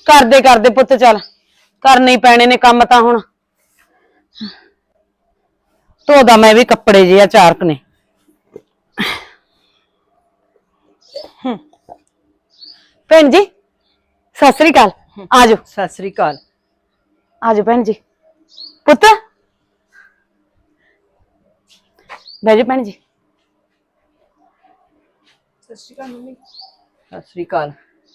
ਕਰਦੇ ਪੁੱਤ ਚੱਲ करने ही पैने ने काम तां हुण धोदा मैं भी कपड़े जे आ चार ने भैन जी सत श्री अकाल आजो सत श्री अकाल आजो भैन जी पुत बैठो भैन जी सत श्री अकाल मम्मी सत श्री अकाल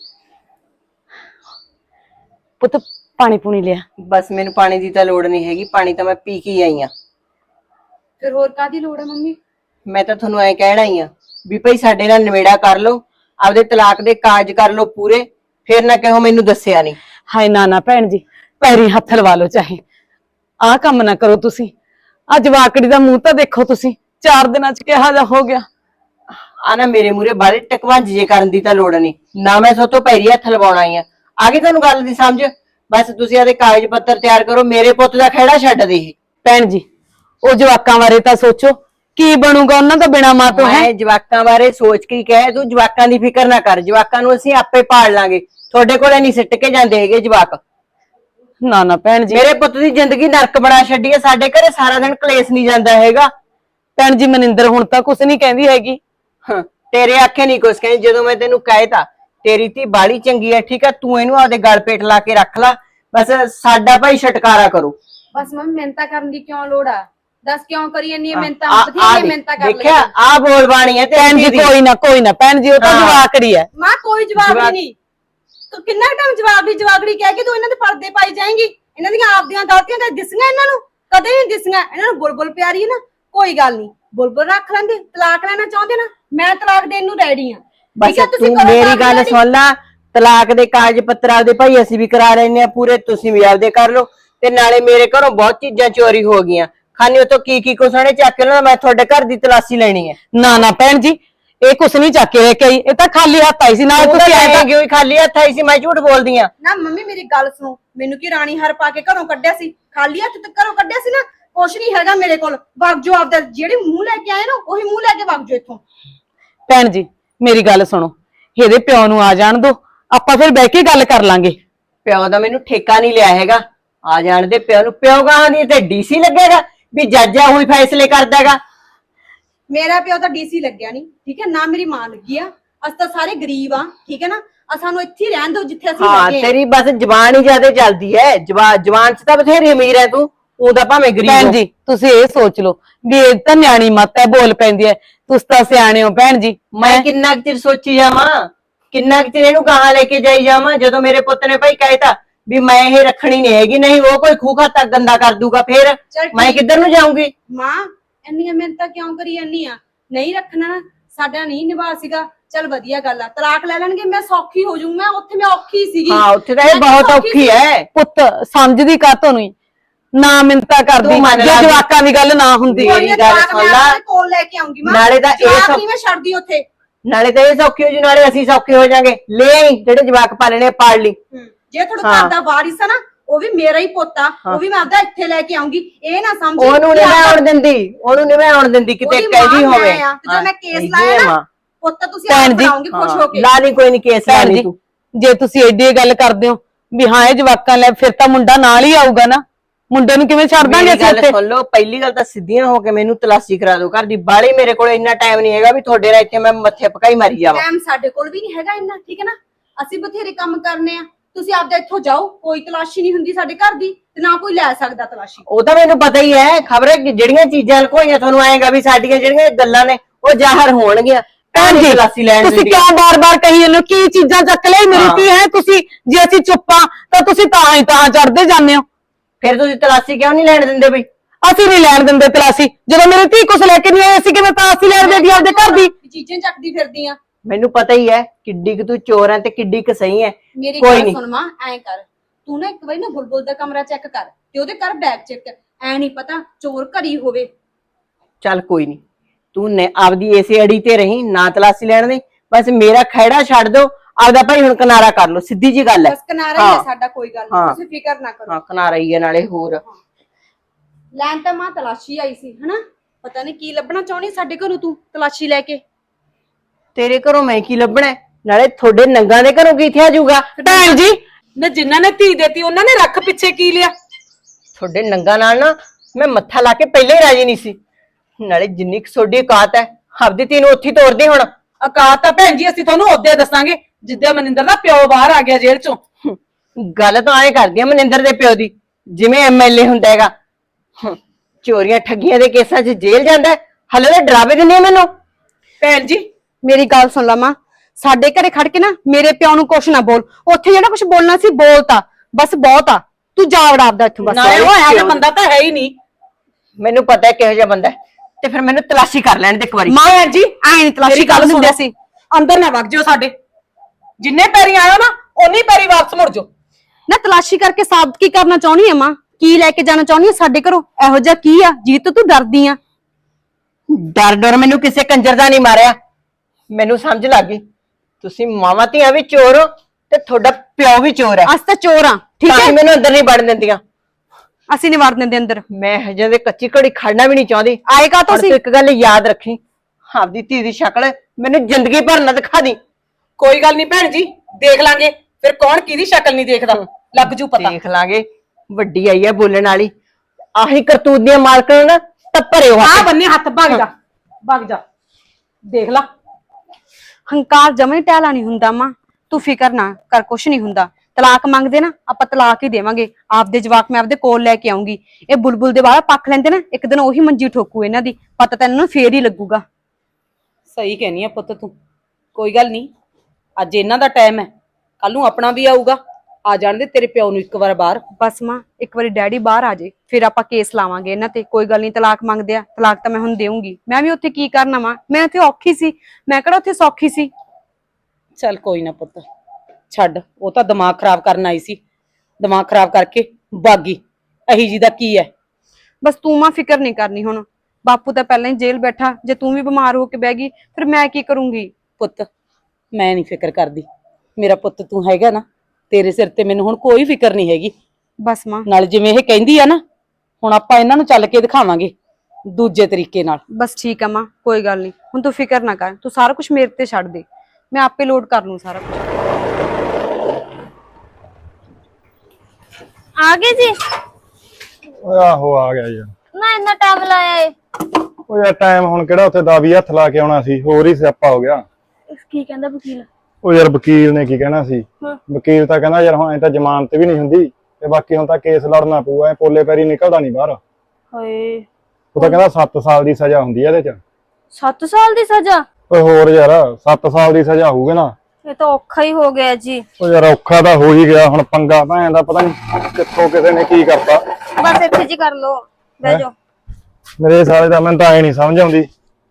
पुत पानी पूनी लिया बस मैनू पानी की तो लोड़ नहीं हैगी पानी तो मैं पी के ही आई हाँ फिर होर कादी लोड़ है मम्मी मैं तो थोनू ऐ कहना ही हाँ भी भाई साडे नाल निबेड़ा कर लो आपदे तलाक दे काज कर लो पूरे फिर ना कहो मैनू दस्सिया नहीं हाय ना ना भैन जी पैरी हथ लवा लो चाहे आ कम ना करो तुसी आ जवाकड़ी दा मुंह तां देखो तुसी 4 दिनां च किहा जा हो गया आ ना मेरे मूरे बारे टकवांज जे करन दी तां लोड़ नहीं ना मैं सो तो पैरी हथ लवाउणा आई हाँ आगे तुहानू गल दी समझ बस तुसी आदे कागज पत्तर तैयार करो मेरे पुੱਤ दा खैड़ा छड्ड दे भैन जी ओ जवाकां बारे तां सोचो की बनूगा उन्हां दा बिना मां तो है मैं जवाकां बारे सोच के कहे तू जवाकां दी फिकर ना कर जवाकां नू असीं आपे पाल लांगे थोड़े कोले नहीं सिੱਟ के जांदे हैगे जवाक ना ना भैन जी मेरे पुੱਤ दी जिंदगी नरक बना छड्डी है साडे घरे सारा दिन कलेस नहीं जांदा हैगा भैन जी मनिंदर हुण तां कुछ नहीं कहंदी हैगी तेरे आखे नहीं कुछ कहंदी जदों मैं तैनू कहता तेरी धी बाली चंगी है ठीक है तू इनू आपदे गल पेट ला के रख ला बस साडा भाई छटकारा करो बस मम्मी मिहनता करन दी क्यों लोड़ आ दस क्यों करी जन्नी मिहनता बथेरी मिहनता कर देखिया आ बोल बाणी है भैन जी कोई ना भैन जी ओ तां जवाकड़ी है मां कोई जवाब नहीं तो कितना टाइम जवाबड़ी कह के तू इन्हां दे पर्दे पाई जाएंगी इन्हां दी आपदियां गलतियां ते दिसियां इन्हां नू कदे नहीं दिसियां इन्हां नू बुलबुल प्यारी है ना कोई गल नहीं बुलबुल रख लेंदे तलाक लेना चाहते ना मैं तलाक देन नू रेडी हां बस तू मेरी गल सुन ला तलाक दे कागज पत्तर आपदे भाई असीं भी करा लेने पूरे तुसीं भी आपदे कर लो ते नाले मेरे घरों बहुत चीजां चोरी हो गईयां खाने तो की कुछ ने चक के ना मैं थोड़े घर दी तलाशी लेनी है ना ना भैन जी ए कुछ नहीं चक के लेके आई ए तां खाली हाथ आई सी ना तुसीं आए तां क्यों खाली हाथ आई सी मैं झूठ बोलदी हां ना मम्मी मेरी गल सुनो मेनू की रानी हार पा के घरों कड्ढिया सी खाली हत्थ ते घरों कड्ढिया सी ना कुछ नहीं हैगा मेरे कोल वग जो आपदा जेड़ी मुंह लेके आए ना ओही मुंह लेके वग जो इत्थों भैन जी मेरी गल सुनो ਇਹਦੇ ਪਿਓ ਨੂੰ ਆ ਜਾਣ ਦੋ ਆਪਾਂ ਫਿਰ ਬਹਿ ਕੇ ਗੱਲ ਕਰ ਲਾਂਗੇ ਪਿਓ ਦਾ ਮੈਨੂੰ ਠੇਕਾ ਨਹੀਂ ਲਿਆ ਹੈਗਾ ਆ ਜਾਣ ਦੇ ਪਿਓ ਨੂੰ ਪਿਓ ਗਾਂ ਦੀ ਤੇ ਡੀਸੀ ਲੱਗੇਗਾ ਵੀ ਜੱਜ ਆ ਹੋਈ ਫੈਸਲੇ ਕਰਦਾਗਾ ਮੇਰਾ ਪਿਓ ਤਾਂ ਡੀਸੀ ਲੱਗਿਆ ਨਹੀਂ ਠੀਕ ਹੈ ਨਾ ਮੇਰੀ ਮਾਂ ਲੱਗੀ ਆ ਅਸੀਂ ਤਾਂ ਸਾਰੇ ਗਰੀਬ ਆ ਠੀਕ ਹੈ ਨਾ ਆ ਸਾਨੂੰ ਇੱਥੇ ਹੀ ਰਹਿਣ ਦਿਓ ਜਿੱਥੇ ਅਸੀਂ ਹਾਂ ਲੱਗੇ ਤੇਰੀ ਬਸ ਜ਼ਬਾਨ ਹੀ ਜ਼ਿਆਦਾ ਚੱਲਦੀ ਹੈ ਜ਼ਬਾਨ ਚ ਤਾਂ ਬਥੇਰੀ ਅਮੀਰ ਹੈ ਤੂੰ ਉਹਦਾ ਭਾਵੇਂ ਗਰੀਬ ਭੈਣ ਜੀ ਤੁਸੀਂ ਇਹ ਸੋਚ ਲਓ ਵੀ ਇਹ ਤਾਂ ਨਿਆਣੀ ਮੱਤ ਹੈ ਬੋਲ ਪੈਂਦੀ ਹੈ ਤੁਸੀਂ ਤਾਂ ਸਿਆਣੇ ਹੋ ਭੈਣ ਜੀ ਮੈਂ ਕਿੰਨਾ ਚਿਰ ਸੋਚੀ ਜਾਵਾਂ ਕਿੰਨਾ ਚਿਰ ਇਹਨੂੰ ਕਹਾਂ ਲੈ ਕੇ ਜਾਈ ਜਾਵਾਂ ਜਦੋਂ ਮੇਰੇ ਪੁੱਤ ਨੇ ਭਾਈ ਕਹਿਤਾ ਵੀ ਮੈਂ ਇਹ ਰੱਖਣੀ ਨਹੀਂ ਹੈਗੀ ਨਹੀਂ ਉਹ ਕੋਈ ਖੂਖਾ ਤੱਕ ਗੰਦਾ ਕਰ ਦੂਗਾ ਫਿਰ ਮੈਂ ਕਿੱਧਰ ਨੂੰ ਜਾਊਂਗੀ ਮਾਂ ਇੰਨੀਆਂ ਮਿਹਨਤਾਂ ਕਿਉਂ ਕਰੀ ਜਾਂਦੀ ਆ ਨਹੀਂ ਰੱਖਣਾ ਸਾਡਾ ਨਹੀਂ ਨਿਭਾ ਸੀਗਾ चल वधिया गल है तलाक ले लेंगे मैं सौखी हो जाऊं मैं उत्थे मैं औखी सीगी हां उत्थे तो बहुत औखी है पुत समझदी का तोनु ना मिन्नता करदी जे जवाकां दी गल ना हुंदी मेरी गल सुन ला कोल लेके आऊंगी मैं नाले दा ए सब नहीं मैं छड़दी उत्थे नाले ता ए सौखी हो जू नाले ਅਸੀਂ सौखे हो जाएंगे ले आई जेड़े जवाक पालने पाल ली जे थोड़ा घर दा वारिस है ना ਉਹ ਵੀ ਮੇਰਾ ਹੀ ਪੋਤਾ ਉਹ ਵੀ ਮੈਂ ਆਪਦਾ ਇੱਥੇ ਲੈ ਕੇ ਆਉਂਗੀ ਇਹ ਨਾ ਸਮਝ ਉਹਨੂੰ ਨਹੀਂ ਮੈਂ ਆਉਣ ਦਿੰਦੀ ਕਿਤੇ ਕਹਿਦੀ ਹੋਵੇ ਜਦੋਂ ਮੈਂ ਕੇਸ ਲਾਇਆ ਨਾ ਪੁੱਤ ਤੁਸੀਂ ਆਪ ਬਣਾਉਂਗੇ ਖੁਸ਼ ਹੋ ਕੇ ਲਾ ਨਹੀਂ ਕੋਈ ਨਹੀਂ ਕੇਸ ਲਾਣੀ ਤੂੰ ਜੇ ਤੁਸੀਂ ਐਡੀ ਗੱਲ ਕਰਦੇ ਹੋ ਵੀ ਹਾਂ ਇਹ ਜਵਾਕਾਂ ਲੈ ਫਿਰ ਤਾਂ ਮੁੰਡਾ ਨਾਲ ਹੀ ਆਊਗਾ ਨਾ ਮੁੰਡੇ ਨੂੰ ਕਿਵੇਂ ਛੱਡ ਦਾਂਗੇ ਅਸੀਂ ਇੱਥੇ ਸੁਣ ਲਓ ਪਹਿਲੀ ਗੱਲ ਤਾਂ ਸਿੱਧੀਆਂ ਹੋ ਕੇ ਮੈਨੂੰ ਤਲਾਸ਼ੀ ਕਰਾ ਦਿਓ ਘਰ ਦੀ ਬਾਲੀ ਮੇਰੇ ਕੋਲ ਇੰਨਾ ਟਾਈਮ ਨਹੀਂ ਹੈਗਾ ਵੀ ਤੁਹਾਡੇ ਨਾਲ ਇੱਥੇ ਮੈਂ ਮੱਥੇ ਪਕਾਈ ਮਾਰੀ ਜਾਵਾਂ ਟਾਈਮ ਸਾਡੇ ਕੋਲ ਵੀ ਨਹੀਂ ਹੈਗਾ ਇੰਨਾ ਠੀਕ ਹੈ ਨਾ ਅਸੀਂ ਬਥੇਰੇ ਕੰਮ ਕਰਨੇ ਆ ਤੁਸੀਂ ਆਪਦਾ ਇੱਥੋਂ ਜਾਓ ਕੋਈ ਤਲਾਸ਼ੀ ਨਹੀਂ ਹੁੰਦੀ ਸਾਡੇ ਘਰ ਦੀ ਤੇ ਨਾ ਕੋਈ ਲੈ ਸਕਦਾ ਤਲਾਸ਼ੀ ਉਹ ਤਾਂ ਮੈਨੂੰ ਪਤਾ ਹੀ ਹੈ ਖਬਰੇ ਜਿਹੜੀਆਂ ਚੀਜ਼ਾਂ ਲਕੋਈਆਂ ਤੁਹਾਨੂੰ ਆਏਗਾ ਵੀ ਸਾਡੀਆਂ ਜਿਹੜੀਆਂ ਗੱਲਾਂ ਨੇ ਉਹ ਜ਼ਾਹਰ ਹੋਣਗੀਆਂ ਤਲਾਸ਼ੀ ਲੈਣ ਤੁਸੀਂ ਕਿਉਂ ਬਾਰ-ਬਾਰ ਕਹੀ ਜਾਂਦੇ ਹੋ ਕੀ ਚੀਜ਼ਾਂ ਚੱਕ ਲਈ ਮੇਰੀ ਧੀ ਹੈ ਤੁਸੀਂ ਜੇ ਅਸੀਂ ਚੁੱਪਾਂ ਤਾਂ ਤੁਸੀਂ ਤਾਂ ਚੜਦੇ ਜਾਂਦੇ ਹੋ ਫਿਰ ਤੁਸੀਂ ਤਲਾਸ਼ੀ ਕਿਉਂ ਨਹੀਂ ਲੈਣ ਦਿੰਦੇ ਬਈ ਅਸੀਂ ਨਹੀਂ ਲੈਣ ਦਿੰਦੇ ਤਲਾਸ਼ੀ ਜਦੋਂ ਮੇਰੀ ਧੀ ਕੁਛ ਲੈ ਕੇ ਨਹੀਂ ਆਈ ਅਸੀਂ ਕਿਵੇਂ ਤਲਾਸ਼ੀ ਲੈਣ ਦੇਦੀ ਆਪਦੇ ਘਰ ਦੀ ਚੀਜ਼ਾਂ ਚੱਕਦੀ ਫਿਰਦੀ ਆ ਮੈਨੂੰ ਪਤਾ ਹੀ ਹੈ ਕਿੱਡੀ ਕਿ ਤੂੰ ਚੋਰ ਹੈ ਤੇ ਕਿੱਡੀ ਕਿ ਸਹੀ ਹੈ ਮੇਰੀ ਗੱਲ ਸੁਣ ਮਾਂ ਐ ਕਰ ਤੂੰ ਨਾ ਇੱਕ ਵਾਰੀ ਨਾ ਬੁਲਬੁਲ ਦਾ ਕਮਰਾ ਚੈੱਕ ਕਰ ਤੇ ਉਹਦੇ ਘਰ ਬੈਗ ਚੈੱਕ ਐ ਨਹੀਂ ਪਤਾ ਚੋਰ ਘਰੀ ਹੋਵੇ ਚੱਲ ਕੋਈ ਨਹੀਂ ਤੂੰ ਨੇ ਆਪਦੀ ਇਸੇ ਅੜੀ ਤੇ ਰਹੀ ਨਾ ਤਲਾਸ਼ੀ ਲੈਣ ਦੀ ਬਸ ਮੇਰਾ ਖੈੜਾ ਛੱਡ ਦੋ ਆਪਦਾ ਭਾਈ ਹੁਣ ਕਿਨਾਰਾ ਕਰ ਲੋ ਸਿੱਧੀ ਜੀ ਗੱਲ ਹੈ ਬਸ ਕਿਨਾਰਾ ਹੀ ਹੈ ਸਾਡਾ ਕੋਈ ਗੱਲ ਨਹੀਂ ਤੁਸੀਂ ਫਿਕਰ ਨਾ ਕਰੋ ਹਾਂ ਕਿਨਾਰਾ ਹੀ ਹੈ ਨਾਲੇ ਹੋਰ ਲੈਣ ਤਾਂ ਮਾਂ ਤਲਾਸ਼ੀ ਆਈ ਸੀ ਹਨਾ ਪਤਾ ਨਹੀਂ ਕੀ ਲੱਭਣਾ ਚਾਹਣੀ ਸਾਡੇ ਘਰੋਂ ਤੂੰ ਤਲਾਸ਼ੀ ਲੈ ਕੇ ਤੇਰੇ ਘਰੋਂ ਮੈਂ ਕੀ ਲੱਭਣਾ ਨਾਲੇ ਤੁਹਾਡੇ ਨੰਗਾ ਦੇ ਘਰੋਂ ਕੀ ਥਿਆ ਜਾਊਗਾ ਭੈਣ ਜੀ ਨਾ ਜਿਨ੍ਹਾਂ ਨੇ ਧੀ ਦੇਤੀ ਉਹਨਾਂ ਨੇ ਰੱਖ ਪਿੱਛੇ ਕੀ ਲਿਆ? ਤੁਹਾਡੇ ਨੰਗਾ ਨਾਲ ਨਾ ਮੈਂ ਮੱਥਾ ਲਾ ਕੇ ਪਹਿਲੇ ਹੀ ਰਾਜੀ ਨਹੀਂ ਸੀ। ਨਾਲੇ ਜਿੰਨੀ ਕੁ ਤੁਹਾਡੀ ਔਕਾਤ ਹੈ ਆਪਦੀ ਧੀ ਨੂੰ ਉੱਥੇ ਹੀ ਤੋਰਦੇ ਹੁਣ। ਔਕਾਤ ਤਾਂ ਭੈਣ ਜੀ ਅਸੀਂ ਤੁਹਾਨੂੰ ਉਹਦੇ ਦੱਸਾਂਗੇ ਜਿੱਦੇ ਮਨਿੰਦਰ ਦਾ ਪਿਓ ਬਾਹਰ ਆ ਗਿਆ ਜੇਲ੍ਹ ਚੋਂ। ਗੱਲ ਤਾਂ ਐਂ ਕਰਦੀ ਆ ਮਨਿੰਦਰ ਦੇ ਪਿਓ ਦੀ, ਜਿਵੇਂ ਐਮਐਲਏ ਹੁੰਦਾ ਹੈਗਾ। ਚੋਰੀਆਂ ਠੱਗੀਆਂ ਦੇ ਕੇਸਾਂ 'ਚ ਜੇਲ੍ਹ ਜਾਂਦਾ, ਹਲੇ ਤਾਂ ਡਰਾਵੇ ਦਿੰਦੇ ਆ ਮੈਨੂੰ। ਭੈਣ ਜੀ ਮੇਰੀ ਗੱਲ ਸੁਣ ਲਾ ਮਾਂ, ਸਾਡੇ ਘਰੇ ਖੜ ਕੇ ਨਾ ਮੇਰੇ ਪਿਓ ਨੂੰ ਕੁਛ ਨਾ ਬੋਲ। ਉੱਥੇ ਜਿਹੜਾ ਕੁਛ ਬੋਲਣਾ ਸੀ ਬੋਲਤਾ, ਬਸ ਬਹੁਤ ਆ। ਤੂੰ ਜਾ ਵੜਾ ਆਪਦਾ ਇੱਥੋਂ ਬਸ। ਨਾਲੇ ਉਹ ਇਹੋ ਜਿਹਾ ਬੰਦਾ ਤਾਂ ਹੈ ਹੀ ਨਹੀਂ। ਮੈਨੂੰ ਪਤਾ ਹੈ ਕਿਹੋ ਜਿਹਾ ਬੰਦਾ ਹੈ, ਤੇ ਫਿਰ ਮੈਨੂੰ ਤਲਾਸ਼ੀ ਕਰ ਲੈਣ ਦੇ ਇੱਕ ਵਾਰੀ। ਮਾਂ ਭੈਣ ਜੀ ਐਂ ਨੀ ਤਲਾਸ਼ੀ ਮੇਰੀ ਗੱਲ ਕਰ ਦਿੰਦੇ ਸੁਣੋ, ਸੀ। ਅੰਦਰ ਨਾ ਵਗ ਜਿਓ ਸਾਡੇ। ਜਿੰਨੇ ਪੈਰੀ ਆਇਓ ਨਾ ਓਨੀ ਪੈਰੀ ਵਾਪਸ ਮੁੜ ਜਾਓ। ਨਾ ਤਲਾਸ਼ੀ ਕਰਕੇ ਸਾਬਤ ਕੀ ਕਰਨਾ ਚਾਹੁੰਦੀ ਆ ਮਾਂ? ਕੀ ਲੈ ਕੇ ਜਾਣਾ ਚਾਹੁੰਦੀ ਆ ਸਾਡੇ ਘਰੋਂ? ਇਹੋ ਜਿਹਾ ਕੀ ਆ ਜੀ ਤੂੰ ਡਰਦੀ ਆ? ਡਰ ਮੈਨੂੰ ਕਿਸੇ ਕੰਜਰ ਦਾ ਨਹੀਂ ਮਾਰਿਆ। ਮੈਨੂੰ ਸਮਝ ਲੱਗ ਗਈ ਤੁਸੀਂ ਮਾਵਾਂ ਧੀਆਂ ਵੀ ਚੋਰ ਹੋ ਤੇ ਤੁਹਾਡਾ ਪਿਓ ਵੀ ਚੋਰ ਹੈ। ਅਸੀਂ ਤਾਂ ਚੋਰ ਆ, ਠੀਕ ਤਾਂ ਹੈ? ਹੀ ਮੈਨੂੰ ਅੰਦਰ ਨਹੀਂ ਵੜਨ ਦਿੰਦੀਆਂ। ਅਸੀਂ ਨਹੀਂ ਵੜ ਦਿੰਦੇ ਅੰਦਰ। ਮੈਂ ਹਜੇ ਦੇ ਕੱਚੀ ਘੜੀ ਖੜਨਾ ਵੀ ਨਹੀਂ ਚਾਹੁੰਦੀ। ਆਏਗਾ ਪਰ ਤੁਸੀਂ। ਤੂੰ ਇੱਕ ਗੱਲ ਯਾਦ ਰੱਖੀ, ਆਪਦੀ ਧੀ ਦੀ ਸ਼ਕਲ ਮੈਨੂੰ ਜ਼ਿੰਦਗੀ ਭਰ ਨਾ ਦਿਖਾ ਦੀ। ਕੋਈ ਗੱਲ ਨਹੀਂ ਭੈਣ ਜੀ, ਦੇਖ ਲਾਂਗੇ ਫਿਰ ਕੌਣ ਕਿਹਦੀ ਸ਼ਕਲ ਨਹੀਂ ਦੇਖਦਾ, ਲੱਗ ਜੂ ਪਤਾ। ਦੇਖ ਲਾਂਗੇ, ਵੱਡੀ ਆਈ ਹੈ ਬੋਲਣ ਵਾਲੀ। ਆਹੀ ਕਰਤੂਤ ਦੀਆਂ ਮਾਲਕਾਂ ਨਾ ਟੱਪਰਿਓ ਆ ਬੰਨੇ ਹੱਥ ਭੱਗ ਜਾ, ਭੱਗ ਜਾ। ਦੇਖ ਲਾ ਹੰਕਾਰ ਜਮੇ ਟਹਿਲਾ ਨਹੀਂ ਹੁੰਦਾ ਮਾਂ, ਤੂੰ ਫਿਕਰ ਨਾ ਕਰ, ਕੁਛ ਨਹੀਂ ਹੁੰਦਾ। ਤਲਾਕ ਮੰਗਦੇ ਨਾ ਆਪਾਂ ਤਲਾਕ ਹੀ ਦੇਵਾਂਗੇ। ਆਪਦੇ ਜਵਾਕ ਮੈਂ ਆਪਦੇ ਕੋਲ ਲੈ ਕੇ ਆਉਂਗੀ। ਇਹ ਬੁਲਬੁਲ ਦੇ ਵਾਲਾ ਪੱਖ ਲੈਂਦੇ ਨਾ, ਇੱਕ ਦਿਨ ਉਹੀ ਮੰਜੀ ਠੋਕੂ ਇਹਨਾਂ ਦੀ। ਪਤਾ ਤਾਂ ਇਹਨਾਂ ਨੂੰ ਫੇਰ ਹੀ ਲੱਗੂਗਾ। ਸਹੀ ਕਹਿਨੀ ਆ ਪੁੱਤ ਤੂੰ। ਕੋਈ ਗੱਲ ਨਹੀਂ, ਅੱਜ ਇਹਨਾਂ ਦਾ ਟਾਈਮ ਹੈ, ਕੱਲ ਨੂੰ ਆਪਣਾ ਵੀ ਆਊਗਾ। ਆ ਜਾਣ ਦੇ ਤੇਰੇ ਪਿਓ ਨੂੰ ਇੱਕ ਵਾਰ ਬਾਹਰ। ਬਸ ਮਾਂ ਇੱਕ ਵਾਰੀ ਡੈਡੀ ਬਾਹਰ ਆ ਜੇ, ਫਿਰ ਆਪਾਂ ਕੇਸ ਲਾਵਾਂਗੇ ਇਹਨਾਂ ਤੇ। ਕੋਈ ਗੱਲ ਨਹੀਂ, ਤਲਾਕ ਮੰਗਦੇ ਆ, ਤਲਾਕ ਤਾਂ ਮੈਂ ਹੁਣ ਦੇਵਾਂਗੀ। ਮੈਂ ਵੀ ਉੱਥੇ ਕੀ ਕਰਨਾ ਵਾ? ਮੈਂ ਉੱਥੇ ਔਖੀ ਸੀ, ਮੈਂ ਕਿਹੜਾ ਉੱਥੇ ਸੌਖੀ ਸੀ? ਚੱਲ ਕੋਈ ਨਾ ਪੁੱਤ, ਛੱਡ। ਉਹ ਤਾਂ ਦਿਮਾਗ ਖਰਾਬ ਕਰਨ ਆਈ ਸੀ, ਦਿਮਾਗ ਖਰਾਬ ਕਰਕੇ ਬਾਗੀ। ਅਹੀ ਜੀ ਦਾ ਕੀ ਹੈ? ਬਸ ਤੂੰ ਮਾਂ ਫਿਕਰ ਨਹੀਂ ਕਰਨੀ ਹੁਣ। ਬਾਪੂ ਤਾਂ ਪਹਿਲਾਂ ਹੀ ਜੇਲ੍ਹ ਬੈਠਾ, ਜੇ ਤੂੰ ਵੀ ਬਿਮਾਰ ਹੋ ਕੇ ਬਹਿ ਗਈ ਫਿਰ ਮੈਂ ਕੀ ਕਰੂੰਗੀ? ਪੁੱਤ ਮੈਂ ਨਹੀਂ ਫਿਕਰ ਕਰਦੀ, ਮੇਰਾ ਪੁੱਤ ਤੂੰ ਹੈਗਾ ਨਾ, ਤੇਰੇ ਸਿਰ ਤੇ ਮੈਨੂੰ ਹੁਣ ਕੋਈ ਫਿਕਰ ਨਹੀਂ ਹੈਗੀ। ਬਸ ਮਾਂ ਨਾਲ ਜਿਵੇਂ ਇਹ ਕਹਿੰਦੀ ਆ ਨਾ, ਹੁਣ ਆਪਾਂ ਇਹਨਾਂ ਨੂੰ ਚੱਲ ਕੇ ਦਿਖਾਵਾਂਗੇ ਦੂਜੇ ਤਰੀਕੇ ਨਾਲ। ਬਸ ਠੀਕ ਆ ਮਾਂ, ਕੋਈ ਗੱਲ ਨਹੀਂ। ਹੁਣ ਤੂੰ ਫਿਕਰ ਨਾ ਕਰ, ਤੂੰ ਸਾਰਾ ਕੁਝ ਮੇਰੇ ਤੇ ਛੱਡ ਦੇ, ਮੈਂ ਆਪੇ ਲੋਡ ਕਰ ਲੂੰ ਸਾਰਾ ਕੁਝ। ਆ ਗਏ ਜੀ? ਓਏ ਆਹੋ ਆ ਗਿਆ ਯਾਰ। ਨਾ ਇੰਨਾ ਟਾਈਮ ਲਾਇਆ ਏ? ਓਏ ਯਾਰ ਟਾਈਮ ਹੁਣ ਕਿਹੜਾ ਉੱਥੇ ਦਾਵੀ ਹੱਥ ਲਾ ਕੇ ਆਉਣਾ ਸੀ, ਹੋਰ ਹੀ ਸਿਆਪਾ ਹੋ ਗਿਆ। ਕੀ ਕਹਿੰਦਾ ਵਕੀਲ? ਉਹ ਯਾਰ ਵਕੀਲ ਨੇ ਕੀ ਕਹਿਣਾ ਸੀ? ਵਕੀਲ ਤਾਂ ਕਹਿੰਦਾ ਯਾਰ ਹੁਣ ਐ ਤਾਂ ਜ਼ਮਾਨਤ ਵੀ ਨਹੀਂ ਹੁੰਦੀ, ਤੇ ਬਾਕੀ ਹੁਣ ਤਾਂ ਕੇਸ ਲੜਨਾ ਪਊਗਾ, ਐ ਪੋਲੇ ਪੈਰੀ ਨਿਕਲਦਾ ਨਹੀਂ ਬਾਹਰ। ਹਾਏ, ਉਹ ਤਾਂ ਕਹਿੰਦਾ 7 ਸਾਲ ਦੀ ਸਜ਼ਾ ਹੁੰਦੀ ਆ ਇਹਦੇ ਚ। 7 ਸਾਲ ਦੀ ਸਜ਼ਾ? ਓਏ ਹੋਰ ਯਾਰ 7 ਸਾਲ ਦੀ ਸਜ਼ਾ ਹੋਊਗੀ ਨਾ। ਇਹ ਤਾਂ ਔਖਾ ਹੀ ਹੋ ਗਿਆ ਜੀ। ਓ ਯਾਰ ਔਖਾ ਤਾਂ ਹੋ ਹੀ ਗਿਆ, ਹੁਣ ਪੰਗਾ ਭੈਣ ਦਾ ਪਤਾ ਨਹੀਂ ਕਿੱਥੋਂ ਕਿਸੇ ਨੇ ਕੀ ਕਰਤਾ। ਬਸ ਇੱਥੇ ਜੀ ਕਰ ਲੋ, ਬਹਿ ਜਾਓ। ਮੇਰੇ ਸਾਲੇ ਦਾ ਮੈਨੂੰ ਤਾਂ ਐ ਨਹੀਂ ਸਮਝ ਆਉਂਦੀ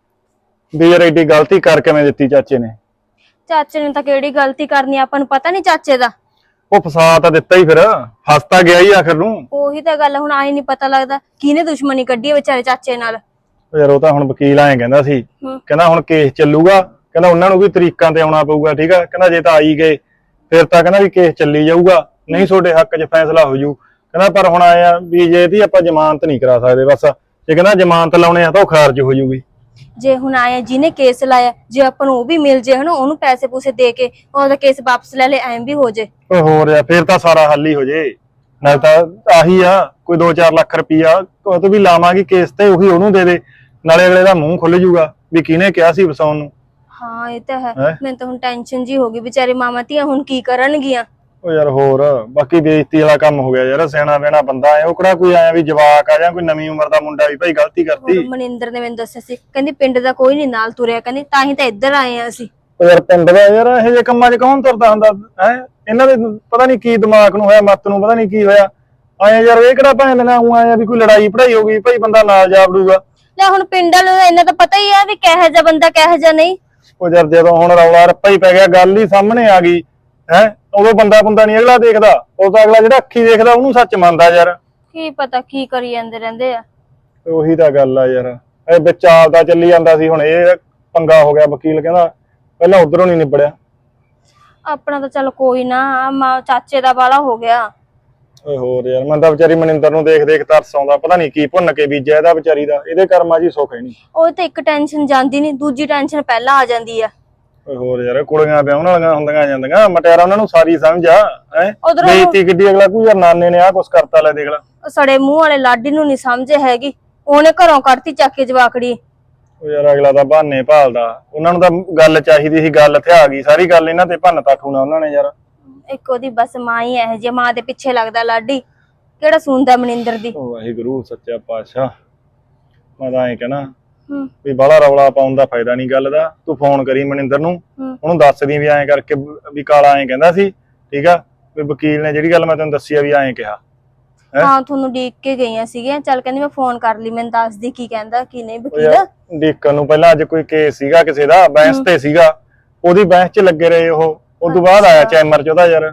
ਵੀ ਯਾਰ ਐਡੀ ਗਲਤੀ ਕਰਕੇ ਮੈਂ ਦਿੱਤੀ ਚਾਚੇ ਨੇ। ਚਾਚੇ ਨੇ ਤਾਂ ਕਿਹੜੀ ਗਲਤੀ ਕਰਨੀ, ਆਪਾਂ ਨੂੰ ਪਤਾ ਨਹੀਂ ਚਾਚੇ ਦਾ। ਉਹ ਫਸਾ ਤਾਂ ਦਿੱਤਾ ਹੀ, ਫਿਰ ਫਸ ਤਾਂ ਗਿਆ ਹੀ ਆਖਰ ਨੂੰ। ਉਹੀ ਤਾਂ ਗੱਲ, ਹੁਣ ਆਈ ਨਹੀਂ ਪਤਾ ਲੱਗਦਾ ਕਿਹਨੇ ਦੁਸ਼ਮਣੀ ਕੱਢੀ ਹੈ ਵਿਚਾਰੇ ਚਾਚੇ ਨਾਲ। ਯਾਰ ਉਹ ਤਾਂ ਹੁਣ ਵਕੀਲ ਐਂ ਕਹਿੰਦਾ ਸੀ, ਕਹਿੰਦਾ ਹੁਣ ਕੇਸ ਚੱਲੂਗਾ, ਕਹਿੰਦਾ ਉਹਨਾਂ ਨੂੰ ਵੀ ਤਰੀਕਾਂ ਤੇ ਆਉਣਾ ਪਊਗਾ, ਠੀਕ ਆ। ਕਹਿੰਦਾ ਜੇ ਤਾਂ ਆਈ ਗਏ ਫਿਰ ਤਾਂ ਕਹਿੰਦਾ ਵੀ ਕੇਸ ਚੱਲੀ ਜਾਊਗਾ, ਨਹੀਂ ਤੁਹਾਡੇ ਹੱਕ 'ਚ ਫੈਸਲਾ ਹੋ ਜੂ। ਕਹਿੰਦਾ ਪਰ ਹੁਣ ਆਏ ਆ ਵੀ ਜੇ ਇਹਦੀ ਆਪਾਂ ਜ਼ਮਾਨਤ ਨਹੀਂ ਕਰਾ ਸਕਦੇ, ਬਸ ਜੇ ਕਹਿੰਦਾ ਜ਼ਮਾਨਤ ਲਾਉਣੇ ਆ ਤਾਂ ਉਹ ਖਾਰਜ ਹੋ ਜੂਗੀ। ਜੇ ਹੁਣ ਆਇਆ ਜਿਹਨੇ ਕੇਸ ਲਾਇਆ, ਜੇ ਆਪਾਂ ਨੂੰ ਉਹ ਵੀ ਮਿਲ ਜੇ ਹਨਾ, ਉਹਨੂੰ ਪੈਸੇ ਪੂਸੇ ਦੇ ਕੇ ਉਹਦਾ ਕੇਸ ਵਾਪਸ ਲੈ ਲੈ, ਐਂ ਵੀ ਹੋ ਜੇ। ਓਏ ਹੋਰ ਯਾਰ ਫਿਰ ਤਾਂ ਸਾਰਾ ਹੱਲ ਹੀ ਹੋ ਜੇ। ਨਾਲ ਤਾਂ ਆਹੀ ਆ, ਕੋਈ 2-4 ਲੱਖ ਰੁਪਈਆ ਉਹ ਤੋਂ ਵੀ ਲਾਵਾਂਗੇ ਕੇਸ ਤੇ, ਉਹੀ ਉਹਨੂੰ ਦੇ ਦੇ, ਨਾਲੇ ਅਗਲੇ ਦਾ ਮੂੰਹ ਖੁੱਲ ਜੂਗਾ ਵੀ ਕਿਹਨੇ ਕਿਹਾ ਸੀ ਵਸਾਉਣ ਨੂੰ। ਹਾਂ ਇਹ ਤਾਂ ਹੈ। ਮੈਨੂੰ ਤਾਂ ਹੁਣ ਟੈਨਸ਼ਨ ਜੀ ਹੋ ਗਈ, ਵਿਚਾਰੇ ਮਾਵਾਂ ਧੀਆਂ ਹੁਣ ਕੀ ਕਰਨਗੀਆਂ। ਓ ਯਾਰ ਹੋਰ ਬਾਕੀ ਬੇਇੱਜ਼ਤੀ ਵਾਲਾ ਕੰਮ ਹੋ ਗਿਆ ਯਾਰ। ਸਿਆਣਾ ਬਹਿਣਾ ਬੰਦਾ ਹੈ, ਉਹ ਕਿਹੜਾ ਕੋਈ ਆਇਆ ਵੀ ਜਵਾਕ ਆ ਜਾਂ ਕੋਈ ਨਵੀਂ ਉਮਰ ਦਾ ਮੁੰਡਾ ਵੀ ਭਾਈ ਗਲਤੀ ਕਰਤੀ। ਮਨਿੰਦਰ ਨੇ ਮੈਨੂੰ ਦੱਸਿਆ ਸੀ, ਕਹਿੰਦੀ ਪਿੰਡ ਦਾ ਕੋਈ ਨਹੀਂ ਨਾਲ ਤੁਰਿਆ, ਕਹਿੰਦੀ ਤਾਂ ਹੀ ਤਾਂ ਇੱਧਰ ਆਏ ਆ ਅਸੀਂ। ਓ ਯਾਰ ਪਿੰਡ ਦਾ ਯਾਰ ਇਹੋ ਜਿਹੇ ਕੰਮਾਂ 'ਚ ਕੌਣ ਤੁਰਦਾ ਹੁੰਦਾ ਹੈ? ਇਹਨਾਂ ਦੇ ਪਤਾ ਨਹੀਂ ਕੀ ਦਿਮਾਗ ਨੂੰ ਹੋਇਆ, ਮੱਤ ਨੂੰ ਪਤਾ ਨਹੀਂ ਕੀ ਹੋਇਆ। ਆਏ ਯਾਰ ਇਹ ਕਿਹੜਾ ਭੈਣ ਨਾ ਉਹ ਆਇਆ ਵੀ ਕੋਈ ਲੜਾਈ ਪੜਾਈ ਹੋ ਗਈ ਭਾਈ ਬੰਦਾ ਨਾਲ ਜਾ ਵੜੂਗਾ। ਲੈ ਹੁਣ ਪਿੰਡ ਵਾਲੇ ਨੂੰ ਇਹਨਾਂ ਤਾਂ ਪਤਾ ਹੀ ਆ ਵੀ ਕਿਹੋ ਜਿਹਾ ਬੰਦਾ ਕਿਹੋ ਜਿਹਾ ਨਹੀਂ। ਉਹ ਯਾਰ ਜਦੋਂ ਹੁਣ ਰੌਲਾ ਰੱਪਾ ਹੀ ਪੈ ਗਿਆ, ਗੱਲ ਹੀ ਸਾਹਮਣੇ ਆ ਗਈ ਹੈ, ਉਦੋਂ ਬੰਦਾ ਨਹੀਂ ਅਗਲਾ ਦੇਖਦਾ, ਉਹ ਤਾਂ ਅਗਲਾ ਜਿਹੜਾ ਅੱਖੀ ਦੇਖਦਾ ਉਹਨੂੰ ਸੱਚ ਮੰਨਦਾ ਯਾਰ। ਕੀ ਪਤਾ ਕੀ ਕਰੀ ਜਾਂਦੇ ਰਹਿੰਦੇ ਆ। ਉਹੀ ਤਾਂ ਗੱਲ ਆ ਯਾਰ, ਇਹ ਵਿੱਚ ਆਪਦਾ ਚੱਲੀ ਜਾਂਦਾ ਸੀ, ਹੁਣ ਇਹ ਪੰਗਾ ਹੋ ਗਿਆ। ਵਕੀਲ ਕਹਿੰਦਾ ਪਹਿਲਾਂ ਉਧਰੋਂ ਨਹੀਂ ਨਿਬੜਿਆ। ਆਪਣਾ ਤਾਂ ਚੱਲ ਕੋਈ ਨਾ, ਮਾਂ ਚਾਚੇ ਦਾ ਬਾਲਾ ਹੋ ਗਿਆ। ਓਏ ਹੋਰ ਯਾਰ ਮੈਂ ਤਾਂ ਵਿਚਾਰੀ ਮਨਿੰਦਰ ਨੂੰ ਦੇਖ ਦੇਖ ਤਰਸ ਆਉਂਦਾ, ਪਤਾ ਨਹੀਂ ਕੀ ਭੁੰਨ ਕੇ ਬੀਜਿਆ ਇਹਦਾ ਵਿਚਾਰੀ ਦਾ। ਇਹਦੇ ਕਰਮਾਂ 'ਚ ਹੀ ਸੁੱਖ ਹੈ ਨਹੀਂ। ਉਹ ਤੇ ਇੱਕ ਟੈਨਸ਼ਨ ਜਾਂਦੀ ਨਹੀਂ, ਦੂਜੀ ਟੈਨਸ਼ਨ ਪਹਿਲਾਂ ਆ ਜਾਂਦੀ ਆ। ਓਏ ਹੋਰ ਯਾਰ ਕੁੜੀਆਂ ਵਿਆਹਣ ਵਾਲੀਆਂ ਹੁੰਦੀਆਂ ਜਾਂਦੀਆਂ ਮਟਿਆਰਾ ਉਹਨਾਂ ਨੂੰ ਸਾਰੀ ਸਮਝ ਆ ਹੈ ਉਧਰੋਂ ਬੇਇੱਜ਼ਤੀ ਕਿੱਡੀ ਅਗਲਾ ਕੋਈ ਯਾਰ ਨਾਨੇ ਨੇ ਆਹ ਕੁਛ ਕਰਤਾ ਲੈ ਦੇਖ ਲੈ ਸੜੇ ਮੂੰਹ ਵਾਲੇ ਲਾਡੀ ਨੂੰ ਨਹੀਂ ਸਮਝ ਹੈਗੀ, ਉਹਨੇ ਘਰੋਂ ਕੱਢਤੀ ਚੱਕ ਕੇ ਜਵਾਕੜੀ। ਉਹ ਯਾਰ ਅਗਲਾ ਤਾਂ ਬਹਾਨੇ ਭਾਲਦਾ, ਉਹਨਾਂ ਨੂੰ ਤਾਂ ਗੱਲ ਚਾਹੀਦੀ ਸੀ, ਗੱਲ ਇੱਥੇ ਆ ਗਈ ਸਾਰੀ ਗੱਲ ਇਹਨਾਂ ਤੇ ਭੰਨ ਤਾਠੂਣਾ ਉਹਨਾਂ ਨੇ ਯਾਰ। ਇੱਕ ਉਹਦੀ ਬਸ ਮਾਂ ਹੀ ਇਹੋ ਜਿਹੀ, ਮਾਂ ਦੇ ਪਿੱਛੇ ਲੱਗਦਾ ਲਾਡੀ, ਕਿਹੜਾ ਸੁਣਦਾ ਮਨਿੰਦਰ ਦੀ। ਉਹ ਵਾਹਿਗੁਰੂ ਸੱਚਾ ਪਾਤਸ਼ਾਹ, ਮੈਂ ਤਾਂ ਐਂ ਕਹਿਣਾ ਵੀ ਬਾਹਲਾ ਰੌਲਾ ਪਾਉਣ ਦਾ ਫਾਇਦਾ ਨਹੀਂ ਗੱਲ ਦਾ। ਤੂੰ ਫੋਨ ਕਰੀ ਮਨਿੰਦਰ ਨੂੰ, ਉਹਨੂੰ ਦੱਸ ਦੀ ਵੀ ਐਂ ਕਰਕੇ ਵੀ ਕਾਲਾ ਐਂ ਕਹਿੰਦਾ ਸੀ, ਠੀਕ ਆ, ਵੀ ਵਕੀਲ ਨੇ ਜਿਹੜੀ ਗੱਲ ਮੈਂ ਤੈਨੂੰ ਦੱਸੀ ਆ ਵੀ ਐਂ ਕਿਹਾ। ਹਾਂ ਤੁਹਾਨੂੰ ਡੀਕ ਕੇ ਗਈਆਂ ਸੀਗੀਆਂ, ਚੱਲ ਕਹਿੰਦੀ ਮੈਂ ਫੋਨ ਕਰ ਲਈ, ਮੈਨੂੰ ਦੱਸਦੀ ਕੀ ਕਹਿੰਦਾ ਕੀ ਨਹੀਂ ਵਕੀਲ। ਡੀਕਨ ਨੂੰ ਪਹਿਲਾਂ ਅੱਜ ਕੋਈ ਕੇਸ ਸੀਗਾ ਕਿਸੇ ਦਾ, ਬਹਿਸ ਤੇ ਸੀਗਾ, ਉਹਦੀ ਬਹਿਸ 'ਚ ਲੱਗੇ ਰਹੇ ਉਹ, ਉਦੋਂ ਬਾਅਦ ਆਇਆ ਚੈਂਬਰ 'ਚ ਉਹਦਾ ਯਾਰ।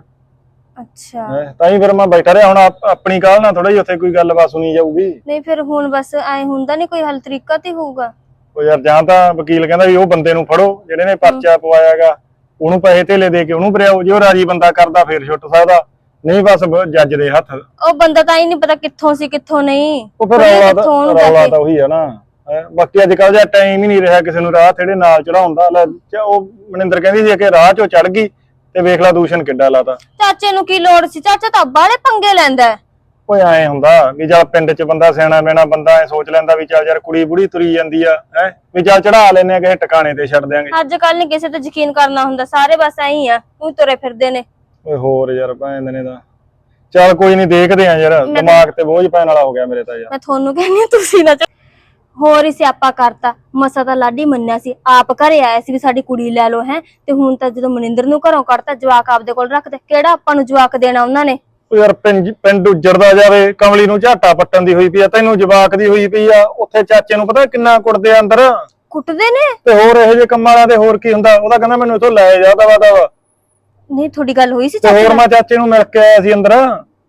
ਅੱਛਾ ਤਾਂ ਹੀ ਫਿਰ ਮੈਂ ਬੈਠਾ ਰਿਹਾ, ਹੁਣ ਆਪਣੀ ਕਾਲ ਨਾਲ ਥੋੜਾ ਜਿਹਾ ਉੱਥੇ ਕੋਈ ਗੱਲਬਾਤ ਸੁਣੀ ਜਾਊਗੀ। ਨਹੀਂ ਫਿਰ ਹੁਣ ਬਸ ਐ ਹੁੰਦਾ ਨਹੀਂ, ਕੋਈ ਹੱਲ ਤਰੀਕਾ ਤੇ ਹੋਊਗਾ। ਉਹ ਯਾਰ ਜਾਂ ਤਾਂ ਵਕੀਲ ਕਹਿੰਦਾ ਵੀ ਉਹ ਬੰਦੇ ਨੂੰ ਫੜੋ ਜਿਹੜੇ ਨੇ ਪਰਚਾ ਪਵਾਇਆਗਾ, ਉਹਨੂੰ ਪੈਸੇ ਧੇਲੇ ਦੇ ਕੇ ਉਹਨੂੰ ਭਰਿਆਓ, ਜੇ ਉਹ ਰਾਜੀ ਬੰਦਾ ਕਰਦਾ ਫਿਰ ਛੁੱਟ ਸਕਦਾ, ਨਹੀਂ ਬਸ ਜੱਜ ਦੇ ਹੱਥ। ਉਹ ਬੰਦਾ ਤਾਂ ਹੀ ਨਹੀਂ ਪਤਾ ਕਿੱਥੋਂ ਸੀ ਕਿੱਥੋਂ ਨਹੀਂ, ਉਹ ਫਿਰ ਰੌਲਾ ਤਾਂ ਉਹੀ ਆ ਨਾ। ਬਾਕੀ ਅੱਜ ਕੱਲ ਜਿਹਾ ਟਾਈਮ ਹੀ ਨਹੀਂ ਰਿਹਾ ਕਿਸੇ ਨੂੰ ਰਾਹ ਥੇੜੇ ਨਾਲ ਚੜਾਉਣ ਦਾ। ਉਹ ਮਨਿੰਦਰ ਕਹਿੰਦੀ ਸੀ ਕਿ ਰਾਹ 'ਚੋਂ ਚੜ ਗਈ ਤੇ ਵੇਖ ਲਾ ਦੂਸ਼ਣ ਕਿੱਡਾ ਲਾਤਾ। ਚਾਚੇ ਨੂੰ ਕੀ ਲੋੜ ਸੀ, ਚਾਚਾ ਤਾਂ ਬਾਹਲੇ ਪੰਗੇ ਲੈਂਦਾ। ਓਏ ਐ ਹੁੰਦਾ ਵੀ ਚੱਲ ਪਿੰਡ 'ਚ ਬੰਦਾ ਸਿਆਣਾ ਮੈਣਾ ਬੰਦਾ ਐ ਸੋਚ ਲੈਂਦਾ ਵੀ ਚੱਲ ਯਾਰ ਕੁੜੀ ਬੁੜੀ ਤੁਰੀ ਜਾਂਦੀ ਆ, ਹੈ ਵੀ ਚੱਲ ਚੜਾ ਲੈਨੇ ਆ ਕਿਸੇ ਟਿਕਾਣੇ ਤੇ ਛੱਡ ਦਿਆਂਗੇ। ਅੱਜ ਕੱਲ ਨੀ ਕਿਸੇ ਤੇ ਯਕੀਨ ਕਰਨਾ ਹੁੰਦਾ, ਸਾਰੇ ਬਸ ਐਂ ਹੀ ਆ, ਉਹ ਤੁਰੇ ਫਿਰਦੇ ਨੇ। ਓਏ ਹੋਰ ਯਾਰ ਭੈਣ ਨੇ ਤਾਂ ਚੱਲ ਕੋਈ ਨਹੀਂ ਦੇਖਦੇ ਆ ਯਾਰ, ਦਿਮਾਗ ਤੇ ਬੋਝ ਪੈਣ ਵਾਲਾ ਹੋ ਗਿਆ ਮੇਰੇ ਤਾਂ ਯਾਰ। ਮੈਂ ਤੁਹਾਨੂੰ ਕਹਿੰਦੀ ਆ ਤੁਸੀਂ ਨਾ ਹੋਰ ਹੀ ਸਿਆਪਾ ਕਰਤਾ। ਮਸਾ ਤਾਂ ਲਾਡੀ ਮੰਨਿਆ ਸੀ, ਆਪ ਘਰੇ ਆਇਆ ਸੀ ਵੀ ਸਾਡੀ ਕੁੜੀ ਲੈ ਲਓ ਹੈ, ਤੇ ਹੁਣ ਤਾਂ ਜਦੋਂ ਮਨਿੰਦਰ ਨੂੰ ਘਰੋਂ ਕੱਢਤਾ, ਜਵਾਕ ਆਪਦੇ ਕੋਲ ਰੱਖਦੇ, ਕਿਹੜਾ ਆਪਾਂ ਨੂੰ ਜਵਾਕ ਦੇਣਾ ਉਹਨਾਂ ਨੇ। ਓ ਯਾਰ ਪਿੰਡ ਉੱਜੜਦਾ ਜਾਵੇ, ਕਮਲੀ ਨੂੰ ਝਾਟਾ ਪੱਟਣ ਦੀ ਹੋਈ ਪਈ ਆ, ਤੈਨੂੰ ਜਵਾਕ ਦੀ ਹੋਈ ਪਈ ਆ, ਉੱਥੇ ਚਾਚੇ ਨੂੰ ਪਤਾ ਕਿੰਨਾ ਕੁੱਟਦੇ ਆ ਅੰਦਰ, ਕੁੱਟਦੇ ਨੇ। ਤੇ ਹੋਰ ਇਹੋ ਜਿਹੇ ਕੰਮਾਂ ਵਾਲਿਆਂ ਦੇ ਹੋਰ ਕੀ ਹੁੰਦਾ। ਉਹਦਾ ਕਹਿੰਦਾ ਮੈਨੂੰ ਇੱਥੋਂ ਲੈ ਜਾ ਦਵਾ ਦਵਾ। ਨਹੀਂ ਤੁਹਾਡੀ ਗੱਲ ਹੋਈ ਸੀ ਤੇ ਹੋਰ ਮੈਂ ਚਾਚੇ ਨੂੰ ਮਿਲ ਕੇ ਆਇਆ ਸੀ ਅੰਦਰ।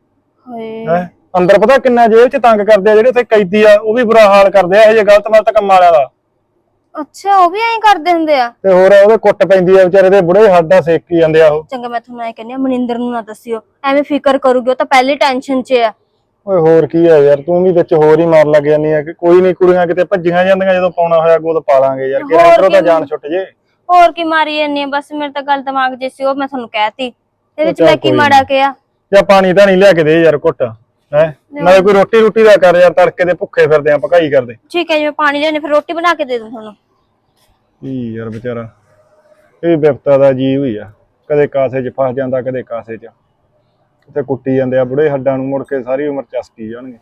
ਹਾਏ ਅੰਦਰ ਪਤਾ ਕਿੰਨਾ ਜੇਲ੍ਹ 'ਚ ਤੰਗ ਕਰਦੇ ਆ, ਜਿਹੜੇ ਉੱਥੇ ਕੈਦੀ ਆ ਉਹ ਵੀ ਬੁਰਾ ਹਾਲ ਕਰਦੇ ਆ ਇਹੋ ਜਿਹੇ ਗਲਤ ਕੰਮ ਵਾਲਿਆਂ ਦਾ। ਅੱਛਾ ਉਹ ਵੀ ਐਂ ਕਰਦੇ ਹੁੰਦੇ ਆ। ਤੇ ਹੋਰ ਉਹਦੇ ਕੁੱਟ ਪੈਂਦੀ ਆ ਵਿਚਾਰੇ ਦੇ, ਬੁੜੇ ਹੱਡਾਂ ਸੇਕੀ ਜਾਂਦੇ ਆ ਉਹ। ਚੰਗਾ ਮੈਂ ਤੁਹਾਨੂੰ ਐ ਕਹਿੰਦੀ ਆ, ਮਨਿੰਦਰ ਨੂੰ ਨਾ ਦੱਸਿਓ, ਐਵੇਂ ਫਿਕਰ ਕਰੂਗੀ, ਉਹ ਤਾਂ ਪਹਿਲੀ ਟੈਨਸ਼ਨ 'ਚ ਆ। ਓਏ ਹੋਰ ਕੀ ਆ ਯਾਰ, ਤੂੰ ਵੀ ਵਿੱਚ ਹੋਰ ਹੀ ਮਾਰ ਲੱਗ ਜਾਂਦੀ ਆ ਕਿ ਕੋਈ ਨਹੀਂ, ਕੁੜੀਆਂ ਕਿਤੇ ਭੱਜੀਆਂ ਜਾਂਦੀਆਂ, ਜਦੋਂ ਪਾਉਣਾ ਹੋਇਆ ਗੋਦ ਪਾ ਲਾਂਗੇ ਯਾਰ, ਕਿ ਇੱਧਰੋਂ ਤਾਂ ਜਾਨ ਛੁੱਟ ਜੇ। ਹੋਰ ਕੀ ਮਾਰੀ ਜਾਂਦੀ ਆ, ਬਸ ਮੇਰੇ ਤਾਂ ਗੱਲ ਦਿਮਾਗ 'ਚ ਸੀ, ਉਹ ਮੈਂ ਤੁਹਾਨੂੰ ਕਹਿਤੀ, ਇਹਦੇ ਵਿੱਚ ਮੈਂ ਕੀ ਮਾੜਾ ਕਿਹਾ। ਜਾਂ ਪਾਣੀ ਤਾਂ ਨਹੀਂ ਲਿਆ ਕੇ ਦੇ ਯਾਰ ਘੁੱਟ, ਹੈ ਨਾਲੇ ਕੋਈ ਰੋਟੀ ਰੋਟੀ ਦਾ ਕਰ ਯਾਰ, ਤੜਕੇ ਦੇ ਭੁੱਖੇ ਫਿਰਦੇ ਆ, ਪਕਾਈ ਕਰਦੇ। ਠੀਕ ਹੈ ਜੀ, ਮੈਂ ਪਾਣੀ ਲੈਣੇ, ਫਿਰ ਰੋਟੀ ਬਣਾ ਕੇ ਦੇ ਦੂੰ ਤੁਹਾਨੂੰ। ਕੀ ਯਾਰ ਵਿਚਾਰਾ ਇਹ ਬਿਪਤਾ ਦਾ ਜੀ ਹੋਈ ਆ, ਕਦੇ ਕਾਸੇ 'ਚ ਫਸ ਜਾਂਦਾ, ਕਦੇ ਕਾਸੇ 'ਚ, ਤੇ ਕੁੱਟੀ ਜਾਂਦੇ ਆ ਬੁੜੇ ਹੱਡਾਂ ਨੂੰ, ਮੁੜ ਕੇ ਸਾਰੀ ਉਮਰ ਚਸਕੀ ਜਾਣਗੇ।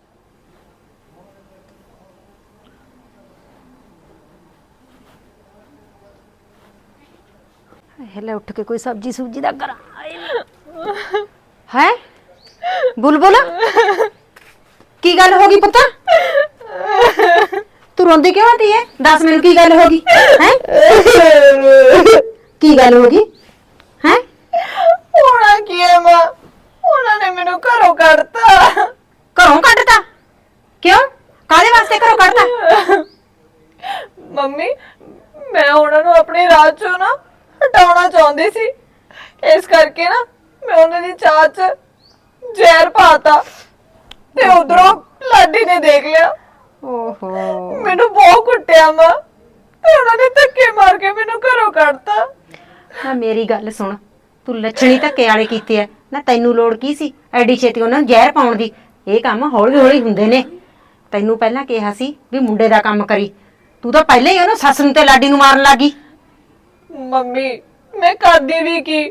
ਲੈ ਉੱਠ ਕੇ ਕੋਈ ਸਬਜੀ ਸੁਬਜੀ ਦਾ ਕਰਾਂ। ਹੈ ਬੁਲਬੁਲ ਕੀ ਗੱਲ ਹੋ ਗਈ ਪੁੱਤ? ਤੂੰ ਰੋਂਦੀ ਕਿਉਂ ਆਂਦੀ ਹੈ? ਦੱਸ ਮੈਨੂੰ ਕੀ ਗੱਲ ਹੋ ਗਈ ਹੈ? ਕੀ ਗੱਲ ਹੋ ਗਈ ਹੈ? ਹੋਣਾ ਕੀ ਹੈ ਮਾਂ, ਉਹਨਾਂ ਨੇ ਮੈਨੂੰ ਘਰੋਂ ਕੱਢਤਾ। ਘਰੋਂ ਕੱਢਤਾ? ਕਿਉਂ, ਕਾਹਦੇ ਵਾਸਤੇ ਘਰੋਂ ਕੱਢਤਾ? ਮੰਮੀ ਮੈਂ ਉਹਨਾਂ ਨੂੰ ਆਪਣੇ ਰਾਹ ਚੋਂ ਨਾ ਹਟਾਉਣਾ ਚਾਹੁੰਦੀ ਸੀ, ਇਸ ਕਰਕੇ ਨਾ ਮੈਂ ਉਹਨਾਂ ਦੀ ਚਾਹ 'ਚ ਜ਼ਹਿਰ ਪਾਤਾ, ਤੇ ਉਧਰੋਂ ਲਾਡੀ ਨੇ ਦੇਖ ਲਿਆ। ਓਹੋ ਮੈਨੂੰ ਬਹੁਤ ਕੁੱਟਿਆ ਮਾਂ, ਤੇ ਉਹਨਾਂ ਨੇ ਧੱਕੇ ਮਾਰ ਕੇ ਮੈਨੂੰ ਘਰੋਂ ਕੱਢਤਾ। ਨਾ ਮੇਰੀ ਗੱਲ ਸੁਣ, ਤੂੰ ਲੱਛਣੀ ਧੱਕੇ ਵਾਲੇ ਕੀਤੇ ਆ ਨਾ, ਤੈਨੂੰ ਲੋੜ ਕੀ ਸੀ ਐਡੀ ਛੇਤੀ ਉਹਨਾਂ ਨੂੰ ਜ਼ਹਿਰ ਪਾਉਣ ਦੀ? ਇਹ ਕੰਮ ਹੌਲੀ ਹੌਲੀ ਹੁੰਦੇ ਨੇ। ਤੈਨੂੰ ਪਹਿਲਾਂ ਕਿਹਾ ਸੀ ਵੀ ਮੁੰਡੇ ਦਾ ਕੰਮ ਕਰੀ, ਤੂੰ ਤਾਂ ਪਹਿਲਾਂ ਹੀ ਉਹਨੂੰ ਸੱਸ ਨੂੰ ਤੇ ਲਾਡੀ ਨੂੰ ਮਾਰਨ ਲੱਗੀ। ਮੰਮੀ ਮੈਂ ਕਰਦੀ ਵੀ ਕੀ,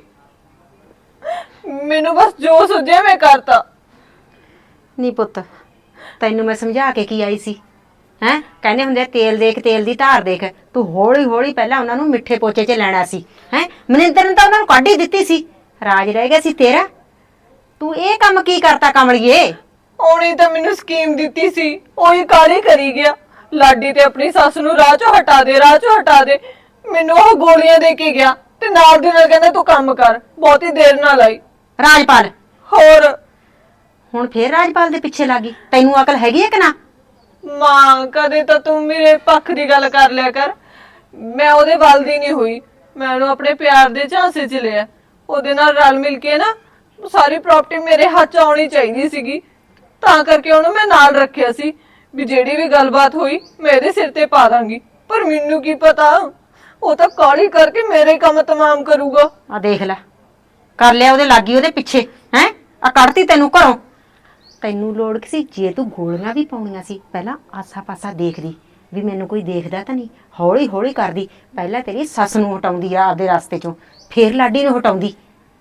ਮੈਨੂੰ ਬਸ ਜੋ ਸੁਝਿਆ ਮੈਂ ਕਰਤਾ। ਨਹੀਂ ਪੁੱਤ, ਤੈਨੂੰ ਮੈਂ ਸਮਝਾ ਕੇ ਕੀ ਆਈ ਸੀ ਹੈ? ਕਹਿੰਦੇ ਹੁੰਦੇ ਤੇਲ ਦੇਖ ਤੇਲ ਦੀ ਧਾਰ ਦੇਖ। ਤੂੰ ਹੌਲੀ ਹੌਲੀ ਪਹਿਲਾਂ ਉਹਨਾਂ ਨੂੰ ਮਿੱਠੇ ਪੋਚੇ 'ਚ ਲੈਣਾ ਸੀ ਹੈ। ਮਨਿੰਦਰ ਨੇ ਤਾਂ ਉਹਨਾਂ ਨੂੰ ਕੱਢ ਹੀ ਦਿੱਤੀ ਸੀ, ਰਾਜ ਰਹਿ ਗਿਆ ਸੀ ਤੇਰਾ। ਤੂੰ ਇਹ ਕੰਮ ਕੀ ਕਰਤਾ ਕਮਲੀਏ? ਉਹਨੇ ਤਾਂ ਮੈਨੂੰ ਸਕੀਮ ਦਿੱਤੀ ਸੀ, ਉਹੀ ਕਾਲੀ ਕਰੀ ਗਿਆ। ਲਾਡੀ ਤੇ ਆਪਣੀ ਸੱਸ ਨੂੰ ਰਾਹ ਚੋਂ ਹਟਾ ਦੇ, ਰਾਹ ਚੋਂ ਹਟਾ ਦੇ। ਮੈਨੂੰ ਉਹ ਗੋਲੀਆਂ ਦੇ ਕੇ ਗਿਆ, ਤੇ ਨਾਲ ਦੀ ਨਾਲ ਕਹਿੰਦਾ ਤੂੰ ਕੰਮ ਕਰ, ਬਹੁਤੀ ਦੇਰ ਨਾ ਲਾਈ। ਰਾਜਪਾਲ ਹੋਰ ਹੁਣ ਫੇਰ ਰਾਜਪਾਲ ਦੇ ਪਿੱਛੇ ਲੱਗੀ? ਤੈਨੂੰ ਅਕਲ ਹੈਗੀ ਹੈ ਕਿ ਨਾ? ਮਾਂ ਕਦੇ ਤਾਂ ਤੂੰ ਮੇਰੇ ਪੱਖ ਦੀ ਗੱਲ ਕਰ ਲਿਆ ਕਰ, ਮੈਂ ਉਹਦੇ ਵੱਲ ਦੀ ਨਹੀਂ ਹੋਈ, ਮੈਂ ਉਹਨੂੰ ਆਪਣੇ ਪਿਆਰ ਦੇ ਝਾਂਸੇ 'ਚ ਲਿਆ। ਉਹਦੇ ਨਾਲ ਰਲ ਮਿਲ ਕੇ ਨਾ ਸਾਰੀ ਪ੍ਰਾਪਰਟੀ ਮੇਰੇ ਹੱਥ 'ਚ ਆਉਣੀ ਚਾਹੀਦੀ ਸੀਗੀ, ਤਾਂ ਕਰਕੇ ਉਹਨੂੰ ਮੈਂ ਨਾਲ ਰੱਖਿਆ ਸੀ ਵੀ ਜਿਹੜੀ ਵੀ ਗੱਲਬਾਤ ਹੋਈ ਮੈਂ ਇਹਦੇ ਸਿਰ ਤੇ ਪਾ ਦਾਂਗੀ। ਪਰ ਮੈਨੂੰ ਕੀ ਪਤਾ ਉਹ ਤਾਂ ਕਾਲੀ ਕਰਕੇ ਮੇਰੇ ਕੰਮ ਤਮਾਮ ਕਰੂਗਾ। ਆ ਦੇਖ ਲੈ, ਕਰ ਲਿਆ ਉਹਦੇ ਲਾਗੀ ਉਹਦੇ ਪਿੱਛੇ ਹੈ। ਆ ਕੱਢਤੀ ਤੈਨੂੰ ਘਰੋਂ। ਤੈਨੂੰ ਲੋੜ ਕੀ ਸੀ? ਜੇ ਤੂੰ ਗੋਲੀਆਂ ਵੀ ਪਾਉਣੀਆਂ ਸੀ ਪਹਿਲਾਂ ਆਸਾ ਪਾਸਾ ਦੇਖਦੀ ਵੀ ਮੈਨੂੰ ਕੋਈ ਦੇਖਦਾ ਤਾਂ ਨਹੀਂ। ਹੌਲੀ ਹੌਲੀ ਕਰਦੀ। ਪਹਿਲਾਂ ਤੇਰੀ ਸੱਸ ਨੂੰ ਹਟਾਉਂਦੀ ਆ ਆਪਦੇ ਰਸਤੇ ਚੋਂ, ਫੇਰ ਲਾਡੀ ਨੂੰ ਹਟਾਉਂਦੀ।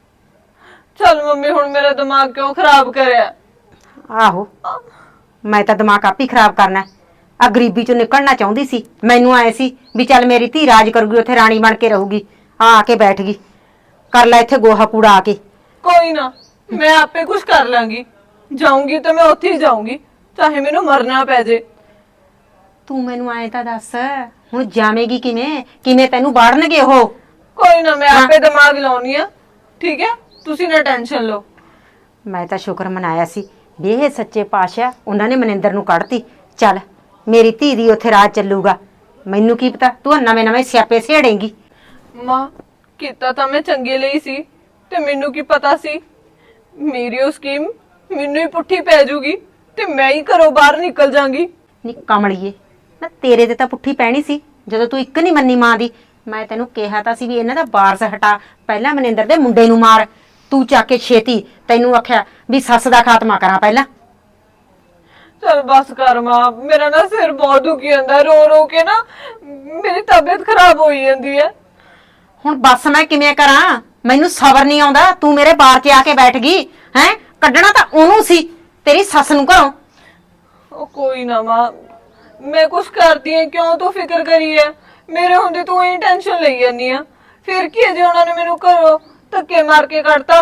ਚੱਲ ਮੰਮੀ ਹੁਣ ਮੇਰਾ ਦਿਮਾਗ ਕਿਉਂ ਖਰਾਬ ਕਰਿਆ? ਆਹੋ, ਮੈਂ ਤਾਂ ਦਿਮਾਗ ਆਪ ਹੀ ਖਰਾਬ ਕਰਨਾ। ਆ ਗਰੀਬੀ ਚੋਂ ਨਿਕਲਣਾ ਚਾਹੁੰਦੀ ਸੀ। ਮੈਨੂੰ ਆਏ ਸੀ ਵੀ ਚੱਲ ਮੇਰੀ ਧੀ ਰਾਜ ਕਰੂਗੀ, ਉੱਥੇ ਰਾਣੀ ਬਣ ਕੇ ਰਹੂਗੀ। ਆ ਕੇ ਬੈਠ ਗਈ। ਕਰ ਲੈ ਇੱਥੇ ਗੋਹਾ ਕੂੜਾ ਆ ਕੇ। ਕੋਈ ਨਾ, ਮੈਂ ਆਪੇ ਕੁਝ ਕਰ ਲਾਂਗੀ। ਜਾਊਂਗੀ ਤਾਂ ਮੈਂ ਉੱਥੇ ਹੀ ਜਾਊਂਗੀ, ਚਾਹੇ ਮੈਨੂੰ ਮਰਨਾ ਪੈ ਜੇ। ਤੂੰ ਮੈਨੂੰ ਆਏ ਤਾਂ ਦੱਸ, ਹੁਣ ਜਾਵੇਂਗੀ ਕਿਵੇਂ? ਕਿਵੇਂ ਤੈਨੂੰ ਬਾੜਨਗੇ ਉਹ? ਕੋਈ ਨਾ, ਮੈਂ ਆਪੇ ਦਿਮਾਗ ਲਾਉਣੀ ਆ। ਠੀਕ ਹੈ, ਤੁਸੀਂ ਨਾ ਟੈਨਸ਼ਨ ਲਓ। ਮੈਂ ਤਾਂ ਸ਼ੁਕਰ ਮਨਾਇਆ ਸੀ ਵੀ ਇਹ ਸੱਚੇ ਪਾਤਸ਼ਾਹ ਉਹਨਾਂ ਨੇ ਮਨਿੰਦਰ ਨੂੰ ਕੱਢਤੀ। ਚੱਲ ਮੇਰੀ ਧੀ ਦੀ ਉੱਥੇ ਰਾਜ ਚੱਲੂਗਾ। ਮੈਨੂੰ ਕੀ ਪਤਾ ਤੂੰ ਨਵੇਂ ਨਵੇਂ ਸਿਆਪੇ ਸੇੜੇਂਗੀ। ਮਾਂ, ਕੀਤਾ ਤਾਂ ਮੈਂ ਚੰਗੇ ਲਈ ਸੀ, ਤੇ ਮੈਨੂੰ ਕੀ ਪਤਾ ਸੀ ਮੇਰੀ ਉਹ ਸਕੀਮ ਮੈਨੂੰ ਹੀ ਪੁੱਠੀ ਪੈ ਜੂਗੀ ਤੇ ਮੈਂ ਹੀ ਘਰੋਂ ਬਾਹਰ ਨਿਕਲ ਜਾਾਂਗੀ। ਨੀ ਕਮਲੀਏ, ਨਾ ਤੇਰੇ ਤੇ ਤਾਂ ਪੁੱਠੀ ਪੈਣੀ ਸੀ ਜਦੋਂ ਤੂੰ ਇੱਕ ਨਹੀਂ ਮੰਨੀ ਮਾਂ ਦੀ। ਮੈਂ ਤੈਨੂੰ ਕਿਹਾ ਤਾਂ ਸੀ ਵੀ ਇਹਨਾਂ ਦਾ ਵਾਰਸ ਹਟਾ, ਪਹਿਲਾਂ ਮਨਿੰਦਰ ਦੇ ਮੁੰਡੇ ਨੂੰ ਮਾਰ। ਤੂੰ ਚੱਕ ਕੇ ਛੇਤੀ ਤੈਨੂੰ ਆਖਿਆ ਵੀ ਸੱਸ ਦਾ ਖਾਤਮਾ ਕਰਾਂ ਪਹਿਲਾਂ। ਚਲ ਬਸ ਕਰ ਮਾਂ, ਮੇਰਾ ਨਾ ਸਿਰ ਬਹੁਤ ਦੁਖੀ ਜਾਂਦਾ, ਰੋ ਰੋ ਕੇ ਨਾ ਮੇਰੀ ਤਬੀਅਤ ਖਰਾਬ ਹੋਈ ਜਾਂਦੀ ਹੈ। ਹੁਣ ਬਸ ਮੈਂ ਕਿਵੇਂ ਕਰਾਂ? ਮੈਨੂੰ ਸਬਰ ਨਹੀਂ ਆਉਂਦਾ। ਤੂੰ ਮੇਰੇ ਬਾਰ 'ਚ ਆ ਕੇ ਬੈਠ ਗਈ ਹੈ। ਕੱਢਣਾ ਤਾਂ ਉਹਨੂੰ ਸੀ, ਤੇਰੀ ਸੱਸ ਨੂੰ ਘਰੋਂ। ਉਹ ਕੋਈ ਨਾ ਮਾਂ, ਮੈਂ ਕੁਛ ਕਰਦੀ ਹਾਂ, ਕਿਉਂ ਤੂੰ ਫਿਕਰ ਕਰੀ ਹੈ? ਮੇਰੇ ਹੁੰਦੇ ਤੂੰ ਇਹ ਟੈਨਸ਼ਨ ਲਈ ਜਾਂਦੀ ਆ। ਫਿਰ ਕੀ ਹੈ ਜੇ ਉਹਨਾਂ ਨੇ ਮੈਨੂੰ ਘਰੋਂ ਧੱਕੇ ਮਾਰ ਕੇ ਕੱਢਤਾ?